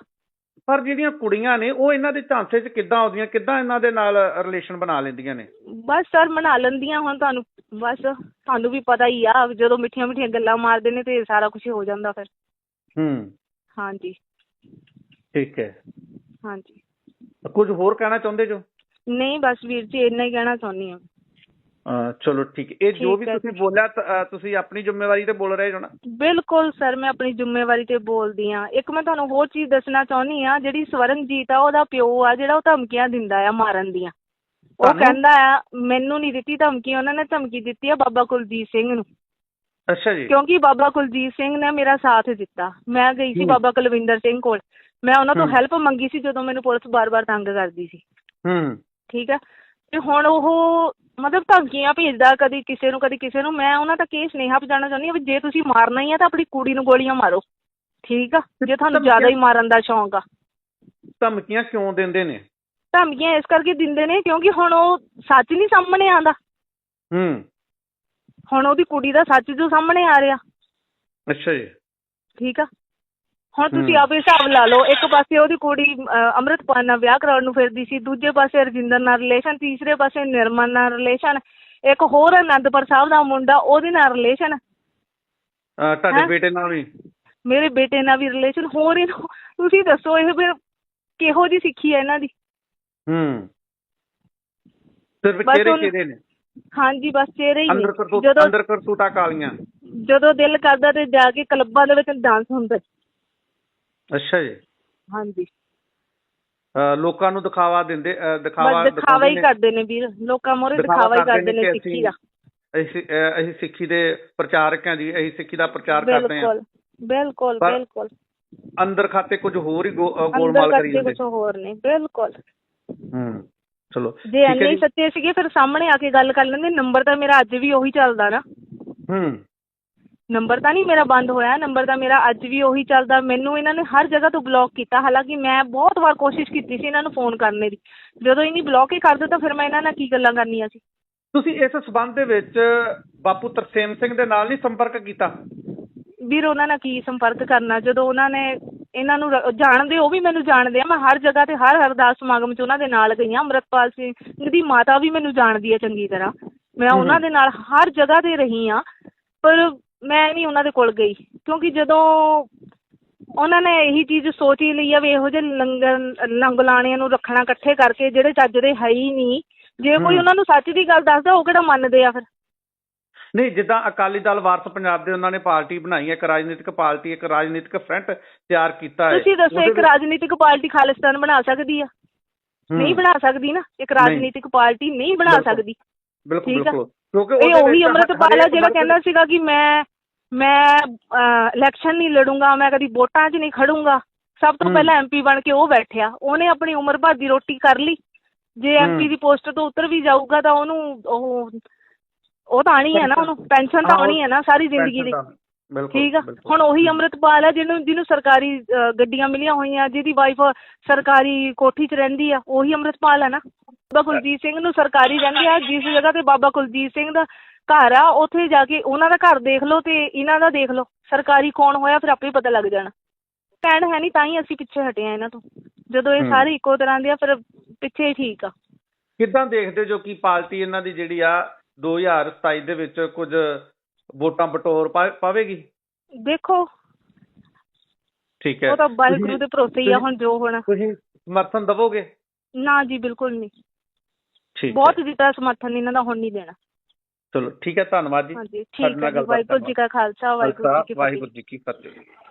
S2: ਪਰ ਜਿਹੜੀਆਂ ਕੁੜੀਆਂ ਨੇ ਉਹ ਇਹਨਾਂ ਦੇ ਝਾਂਸੇ 'ਚ ਕਿੱਦਾਂ ਆਉਂਦੀਆਂ, ਕਿੱਦਾਂ ਇਹਨਾਂ ਦੇ ਨਾਲ ਰਿਲੇਸ਼ਨ ਬਣਾ ਲੈਂਦੀਆਂ ਨੇ?
S1: ਬਸ ਸਰ ਬਣਾ ਲੈਂਦੀਆਂ, ਹੁਣ ਤੁਹਾਨੂੰ ਬਸ ਤੁਹਾਨੂੰ ਵੀ ਪਤਾ ਹੀ ਆ, ਜਦੋਂ ਮਿੱਠੀਆਂ ਮਿੱਠੀਆਂ ਗੱਲਾਂ ਮਾਰਦੇ ਨੇ ਤੇ ਸਾਰਾ ਕੁਝ ਹੋ ਜਾਂਦਾ ਫਿਰ।
S2: ਹੂੰ,
S1: ਹਾਂਜੀ
S2: ਠੀਕ ਹੈ।
S1: ਹਾਂਜੀ।
S2: ਕੁਝ ਹੋਰ ਕਹਿਣਾ ਚਾਹੁੰਦੇ ਜੋ?
S1: ਨਹੀਂ ਬਸ ਵੀਰ ਜੀ ਇੰਨਾ ਹੀ ਕਹਿਣਾ ਚਾਹੁੰਦੀ ਹਾਂ।
S2: ਅਹ ਚਲੋ ਠੀਕ, ਇਹ ਜੋ ਵੀ
S1: ਠੀਕ ਹੈ
S2: ਤੁਸੀਂ
S1: ਜੀ।
S2: ਬੋਲਿਆ ਤ- ਅਹ ਤੁਸੀਂ ਆਪਣੀ ਜ਼ਿੰਮੇਵਾਰੀ ਤੇ ਬੋਲ ਰਹੇ ਹੋ ਨਾ?
S1: ਬਿਲਕੁਲ ਸਰ, ਮੈਂ ਆਪਣੀ ਜ਼ਿੰਮੇਵਾਰੀ ਤੇ ਬੋਲਦੀ ਹਾਂ। ਇੱਕ ਮੈਂ ਤੁਹਾਨੂੰ ਹੋਰ ਚੀਜ਼ ਦੱਸਣਾ ਚਾਹੁੰਦੀ ਹਾਂ, ਜਿਹੜੀ ਸਵਰਨਜੀਤ ਆ ਉਹਦਾ ਪਿਓ ਆ ਜਿਹੜਾ, ਉਹ ਧਮਕੀਆਂ ਦਿੰਦਾ ਆ ਮਾਰਨ ਦੀਆਂ। ਉਹ
S2: ਤੁਹਾਨੂੰ?
S1: ਕਹਿੰਦਾ ਆ ਮੈਨੂੰ ਨਹੀਂ ਦਿੱਤੀ ਧਮਕੀ, ਉਹਨਾਂ ਨੇ ਧਮਕੀ ਦਿੱਤੀ ਆ ਬਾਬਾ ਕੁਲਜੀਤ ਸਿੰਘ ਨੂੰ,
S2: ਅੱਛਾ ਜੀ।
S1: ਕਿਉਂਕਿ ਬਾਬਾ ਕੁਲਜੀਤ ਸਿੰਘ ਨੇ ਮੇਰਾ ਸਾਥ ਦਿੱਤਾ। ਮੈਂ ਗਈ ਸੀ
S2: ਹੂੰ।
S1: ਬਾਬਾ ਕੁਲਵਿੰਦਰ ਸਿੰਘ ਕੋਲ, ਮੈਂ ਉਹਨਾਂ ਤੋਂ
S2: ਹੂੰ।
S1: ਹੈਲਪ ਮੰਗੀ ਸੀ ਜਦੋਂ ਮੈਨੂੰ ਪੁਲਿਸ ਬਾਰ-ਬਾਰ ਤੰਗ ਕਰਦੀ ਸੀ।
S2: ਹੂੰ।
S1: ਠੀਕ ਹੈ, ਤੇ ਹੁਣ ਉਹ ਮਤਲਬ ਧਮਕੀਆਂ ਭੇਜਦਾ, ਕਦੀ ਕਿਸੇ ਨੂੰ ਕਦੀ ਕਿਸੇ ਨੂੰ। ਮੈਂ ਉਹਨਾਂ ਤੱਕ ਇਹ ਸੁਨੇਹਾ ਪਹੁੰਚਾਉਣਾ ਚਾਹੁੰਦੀ ਹਾਂ ਵੀ ਜੇ ਤੁਸੀਂ ਮਾਰਨਾ ਹੀ ਆ ਤਾਂ ਆਪਣੀ ਕੁੜੀ ਨੂੰ ਗੋਲੀਆਂ ਮਾਰੋ, ਠੀਕ ਆ, ਜੇ ਤੁਹਾਨੂੰ
S2: ਧਮਕੀਆਂ-
S1: ਜ਼ਿਆਦਾ ਹੀ ਮਾਰਨ ਦਾ ਸ਼ੌਂਕ ਆ।
S2: ਧਮਕੀਆਂ ਕਿਉਂ ਦਿੰਦੇ ਨੇ?
S1: ਧਮਕੀਆਂ ਇਸ ਕਰਕੇ ਦਿੰਦੇ ਨੇ ਕਿਉਂਕਿ ਹੁਣ ਉਹ ਸੱਚ ਨਹੀਂ ਸਾਹਮਣੇ ਆਉਂਦਾ।
S2: ਹੂੰ।
S1: ਹੁਣ ਉਹਦੀ ਕੁੜੀ ਦਾ ਸੱਚ ਜੋ ਸਾਹਮਣੇ ਆ ਰਿਹਾ।
S2: ਅੱਛਾ ਜੀ।
S1: ਠੀਕ ਆ, ਹੁਣ ਤੁਸੀਂ
S2: ਹੂੰ।
S1: ਆਪ ਹਿਸਾਬ ਲਾ ਲਓ, ਇੱਕ ਪਾਸੇ ਉਹਦੀ ਕੁੜੀ ਅਹ, ਅੰਮ੍ਰਿਤਪਾਲ ਨਾਲ ਵਿਆਹ ਕਰਾਉਣ ਨੂੰ ਫਿਰਦੀ ਸੀ, ਦੂਜੇ ਪਾਸੇ ਰਜਿੰਦਰ ਨਾਲ ਰਿਲੇਸ਼ਨ, ਤੀਸਰੇ ਪਾਸੇ ਨਿਰਮਲ ਨਾਲ ਰਿਲੇਸ਼ਨ, ਇੱਕ ਹੋਰ ਅਨੰਦਪੁਰ ਸਾਹਿਬ ਦਾ ਮੁੰਡਾ ਉਹਦੇ ਨਾਲ ਰਿਲੇਸ਼ਨ,
S2: ਅਹ ਤੁਹਾਡੇ
S1: ਹੈਂ?
S2: ਬੇਟੇ ਨਾਲ ਵੀ?
S1: ਮੇਰੇ ਬੇਟੇ ਨਾਲ ਵੀ ਰਿਲੇਸ਼ਨ। ਹੋਰ ਇਹਨੂੰ ਤੁਸੀਂ ਦੱਸੋ ਇਹ ਫਿਰ ਕਿਹੋ ਜਿਹੀ ਸਿੱਖੀ ਹੈ ਇਹਨਾਂ ਦੀ?
S2: ਹੂੰ। ਸਿਰਫ
S1: ਬਸ
S2: ਚਿਹਰੇ
S1: ਹੁਣ-
S2: ਚਿਹਰੇ ਨੇ
S1: ਹਾਂਜੀ ਬਸ ਚਿਹਰੇ ਹੀ ਨੇ।
S2: ਅੰਦਰ ਕਰਤੂਤ,
S1: ਜਦੋਂ
S2: ਅੰਦਰ ਕਰਤੂਤਾਂ ਕਾਲੀਆਂ।
S1: ਜਦੋਂ ਦਿਲ ਕਰਦਾ ਤੇ ਜਾ ਕੇ ਕਲੱਬਾਂ ਦੇ ਵਿੱਚ ਡਾਂਸ ਹੁੰਦਾ।
S2: ਅੱਛਾ ਜੀ।
S1: ਹਾਂਜੀ
S2: ਅਹ ਲੋਕਾਂ ਨੂੰ ਦਿਖਾਵਾ ਦਿੰਦੇ, ਅਹ ਦਿਖਾਵਾ
S1: ਬਸ ਦਿਖਾਵਾ ਹੀ
S2: ਦਿਖਾਉਂਦੇ ਨੇ।
S1: ਕਰਦੇ ਨੇ ਵੀਰ, ਲੋਕਾਂ ਮੋਹਰੇ ਦਿਖਾਵਾ ਹੀ ਕਰਦੇ ਨੇ
S2: ਕਿ
S1: ਸਿੱਖੀ ਦਾ।
S2: ਅਸੀਂ ਅਹ ਅਸੀਂ ਸਿੱਖੀ ਦੇ ਪ੍ਰਚਾਰਕ ਹਾਂ ਜੀ, ਅਸੀਂ ਸਿੱਖੀ ਦਾ ਪ੍ਰਚਾਰ ਕਰਦੇ ਹਾਂ।
S1: ਬਿਲਕੁਲ ਬਿਲਕੁਲ
S2: ਪਰ
S1: ਬਿਲਕੁਲ।
S2: ਅੰਦਰ ਖਾਤੇ ਕੁਝ ਹੋਰ ਹੀ ਗੋ- ਅਹ
S1: ਅੰਦਰ
S2: ਗੋਲਮਾਲ ਕਰੀ
S1: ਕਰਦੇ
S2: ਜਾਂਦੇ।
S1: ਕੁਝ ਹੋਰ ਨੇ। ਬਿਲਕੁਲ,
S2: ਹੂੰ। ਚਲੋ
S1: ਜੇ
S2: ਠੀਕ ਹੈ
S1: ਇੰਨੇ ਹੀ
S2: ਜੀ।
S1: ਸੱਚੇ ਸੀਗੇ ਫਿਰ ਸਾਹਮਣੇ ਆ ਕੇ ਗੱਲ ਕਰ ਲੈਂਦੇ। ਨੰਬਰ ਤਾਂ ਮੇਰਾ ਅੱਜ ਵੀ ਉਹੀ ਚੱਲਦਾ ਨਾ,
S2: ਹੂੰ।
S1: ਨੰਬਰ ਤਾਂ ਨਹੀਂ ਮੇਰਾ ਬੰਦ ਹੋਇਆ, ਨੰਬਰ ਤਾਂ ਮੇਰਾ ਅੱਜ ਵੀ ਉਹੀ ਚੱਲਦਾ। ਮੈਨੂੰ ਇਹਨਾਂ ਨੇ ਹਰ ਜਗ੍ਹਾ ਤੋਂ ਬਲੌਕ ਕੀਤਾ, ਹਾਲਾਂਕਿ ਮੈਂ ਬਹੁਤ ਵਾਰ ਕੋਸ਼ਿਸ਼ ਕੀਤੀ ਸੀ ਇਹਨਾਂ ਨੂੰ ਫੋਨ ਕਰਨੇ ਦੀ। ਜਦੋਂ ਇਹਨੀ ਬਲੌਕ ਹੀ ਕਰ ਦਿੱਤਾ ਫਿਰ ਮੈਂ ਇਹਨਾਂ ਨਾਲ ਕੀ ਗੱਲਾਂ ਕਰਨੀਆਂ ਸੀ।
S2: ਤੁਸੀਂ ਇਸ ਸਬੰਧ ਦੇ ਵਿੱਚ ਬਾਪੂ ਤਰਸੇਮ ਸਿੰਘ ਦੇ ਨਾਲ ਨਹੀਂ ਸੰਪਰਕ ਕੀਤਾ?
S1: ਵੀਰ ਉਹਨਾਂ ਨਾਲ ਕੀ ਸੰਪਰਕ ਕਰਨਾ, ਜਦੋਂ ਉਹਨਾਂ ਨੇ ਇਹਨਾਂ ਨੂੰ ਰ- ਜਾਣਦੇ, ਉਹ ਵੀ ਮੈਨੂੰ ਜਾਣਦੇ ਆ। ਮੈਂ ਹਰ ਜਗ੍ਹਾ ਤੇ ਹਰ ਅਰਦਾਸ ਸਮਾਗਮ 'ਚ ਉਹਨਾਂ ਦੇ ਨਾਲ ਗਈ ਹਾਂ। ਅੰਮ੍ਰਿਤਪਾਲ ਸਿੰਘ ਦੀ ਮਾਤਾ ਵੀ ਮੈਨੂੰ ਜਾਣਦੀ ਹੈ ਚੰਗੀ ਤਰ੍ਹਾਂ, ਮੈਂ
S2: ਹੂੰ।
S1: ਉਹਨਾਂ ਦੇ ਨਾਲ ਹਰ ਜਗ੍ਹਾ ਤੇ ਰਹੀ ਹਾਂ। ਪਰ ਮੈਂ ਨਹੀਂ ਉਹਨਾਂ ਦੇ ਕੋਲ ਗਈ ਕਿਉਂਕਿ ਜਦੋਂ ਉਹਨਾਂ ਨੇ ਇਹੀ ਚੀਜ਼ ਸੋਚ ਹੀ ਲਈ ਆ ਵੀ ਇਹੋ ਜਿਹੇ ਲੰਗਰ ਲੰਗਲਾਣਿਆਂ ਨੂੰ ਰੱਖਣਾ ਇਕੱਠੇ ਕਰਕੇ ਜਿਹੜੇ ਚੱਜ ਦੇ ਹੈ ਹੀ ਨਹੀਂ। ਜੇ ਕੋਈ
S2: ਹੂੰ।
S1: ਉਹਨਾਂ ਨੂੰ ਸੱਚ ਦੀ ਗੱਲ ਦੱਸਦਾ ਉਹ ਕਿਹੜਾ ਮੰਨਦੇ ਆ ਫਿਰ।
S2: ਨਹੀਂ, ਜਿੱਦਾਂ ਅਕਾਲੀ ਦਲ ਵਾਰਸ ਪੰਜਾਬ ਦੇ ਉਹਨਾਂ ਨੇ ਪਾਰਟੀ ਬਣਾਈ ਹੈ, ਇੱਕ ਰਾਜਨੀਤਿਕ ਪਾਰਟੀ, ਇੱਕ ਰਾਜਨੀਤਿਕ ਫਰੰਟ ਤਿਆਰ ਕੀਤਾ ਹੈ।
S1: ਤੁਸੀਂ ਦੱਸੋ
S2: ਉਹਦੇ
S1: ਇੱਕ
S2: ਵਿੱਚ-
S1: ਰਾਜਨੀਤਿਕ ਪਾਰਟੀ ਖਾਲਿਸਤਾਨ ਬਣਾ ਸਕਦੀ ਆ?
S2: ਹੂੰ।
S1: ਨਹੀਂ ਬਣਾ ਸਕਦੀ ਨਾ, ਇੱਕ
S2: ਨਹੀਂ।
S1: ਰਾਜਨੀਤਿਕ ਪਾਰਟੀ ਨਹੀਂ ਬਣਾ
S2: ਬਿਲਕੁਲ।
S1: ਸਕਦੀ।
S2: ਬਿਲਕੁਲ
S1: ਠੀਕ ਆ।
S2: ਬਿਲਕੁਲ, ਕਿਉਂਕਿ
S1: ਇਹ
S2: ਉਹਦੇ
S1: ਉਹੀ
S2: ਵਿੱਚ
S1: ਅੰਮ੍ਰਿਤਪਾਲ ਆ
S2: ਹਰੇਕ
S1: ਜਿਹੜਾ
S2: ਵਰਗ-
S1: ਕਹਿੰਦਾ ਸੀਗਾ ਕਿ ਮੈਂ ਮੈਂ ਇਲੈਕਸ਼ਨ ਨਹੀਂ ਲੜੂੰਗਾ, ਮੈਂ ਕਦੀ ਵੋਟਾਂ 'ਚ ਨਹੀਂ ਖੜੂੰਗਾ। ਸਭ ਤੋਂ
S2: ਹੂੰ।
S1: ਪਹਿਲਾਂ ਐਮਪੀ ਬਣ ਕੇ ਉਹ ਬੈਠਿਆ, ਉਹਨੇ ਆਪਣੀ ਉਮਰ ਭਰ ਦੀ ਰੋਟੀ ਕਰ ਲਈ। ਜੇ ਐਮਪੀ ਦੀ ਪੋਸਟ ਤੋਂ ਉਤਰ ਵੀ ਜਾਊਗਾ ਤਾਂ ਉਹਨੂੰ ਉਹ ਉਹ ਤਾਂ ਆਣੀ ਹੈ ਨਾ, ਉਹਨੂੰ ਪੈਨਸ਼ਨ ਤਾਂ ਆਉਣੀ ਹੈ ਨਾ ਸਾਰੀ ਜ਼ਿੰਦਗੀ ਦੀ।
S2: ਬਿਲਕੁਲ,
S1: ਠੀਕ ਆ।
S2: ਬਿਲਕੁਲ।
S1: ਹੁਣ ਉਹੀ ਅੰਮ੍ਰਿਤਪਾਲ ਹੈ ਜਿਹਨੂੰ ਜਿਹਨੂੰ ਸਰਕਾਰੀ ਅ, ਗੱਡੀਆਂ ਮਿਲੀਆਂ ਹੋਈਆਂ, ਜਿਹਦੀ ਵਾਈਫ ਸਰਕਾਰੀ ਕੋਠੀ 'ਚ ਰਹਿੰਦੀ ਆ, ਉਹੀ ਅੰਮ੍ਰਿਤਪਾਲ ਹੈ ਨਾ। ਬਾਬਾ ਕੁਲਜੀਤ ਸਿੰਘ ਨੂੰ ਸਰਕਾਰੀ ਰਹਿੰਦੇ ਆ, ਜਿਸ ਜਗ੍ਹਾ ਤੇ ਬਾਬਾ ਕੁਲਜੀਤ ਸਿੰਘ ਦਾ ਘਰ ਆ ਉੱਥੇ ਜਾ ਕੇ ਉਹਨਾਂ ਦਾ ਘਰ ਦੇਖ ਲਓ ਤੇ ਇਹਨਾਂ ਦਾ ਦੇਖ ਲਓ, ਸਰਕਾਰੀ ਕੌਣ ਹੋਇਆ ਫਿਰ ਆਪੇ ਪਤਾ ਲੱਗ ਜਾਣਾ। ਭੈਣ ਹੈ ਨਹੀਂ ਤਾਂ ਹੀ ਅਸੀਂ ਪਿੱਛੇ ਹਟੇ ਆ ਇਹਨਾਂ ਤੋਂ। ਜਦੋਂ ਇਹ
S2: ਹੂੰ।
S1: ਸਾਰੇ ਇੱਕੋ ਤਰ੍ਹਾਂ ਦੇ ਆ ਫਿਰ ਪਿੱਛੇ ਹੀ ਠੀਕ ਆ।
S2: ਕਿੱਦਾਂ ਦੇਖਦੇ ਜੋ ਕਿ ਪਾਰਟੀ ਇਹਨਾਂ ਦੀ ਜਿਹੜੀ ਆ ਦੋ ਹਜ਼ਾਰ ਸਤਾਈ ਦੇ ਵਿੱਚ ਕੁਝ ਵੋਟਾਂ ਬਟੋਰ ਪਾ- ਪਾਵੇਗੀ?
S1: ਦੇਖੋ
S2: ਠੀਕ ਹੈ।
S1: ਉਹ ਤਾਂ ਵਾਹਿਗੁਰੂ
S2: ਤੁਸੀਂ-
S1: ਦੇ ਭਰੋਸੇ ਹੀ ਆ, ਹੁਣ ਜੋ ਹੋਣਾ।
S2: ਤੁਸੀਂ ਸਮਰਥਨ ਦਵੋਗੇ?
S1: ਨਾ ਜੀ ਬਿਲਕੁਲ ਨਹੀਂ,
S2: ਠੀਕ
S1: ਬਹੁਤ
S2: ਹੈ।
S1: ਦਿੱਤਾ ਸਮਰਥਨ ਇਹਨਾਂ ਦਾ, ਹੁਣ ਨਹੀਂ ਦੇਣਾ।
S2: ਚਲੋ ਠੀਕ ਹੈ, ਧੰਨਵਾਦ ਜੀ।
S1: ਹਾਂਜੀ
S2: ਸਾਡੇ
S1: ਠੀਕ
S2: ਨਾਲ
S1: ਹੈ ਜੀ।
S2: ਗੱਲਬਾਤ
S1: ਵਾਹਿਗੁਰੂ ਜੀ ਕਾ ਖਾਲਸਾ, ਵਾਹਿਗੁਰੂ ਜੀ ਕੀ
S2: ਖਾਲਸਾ,
S1: ਫਤਿਹ।
S2: ਵਾਹਿਗੁਰੂ ਜੀ ਕੀ ਫਤਿਹ।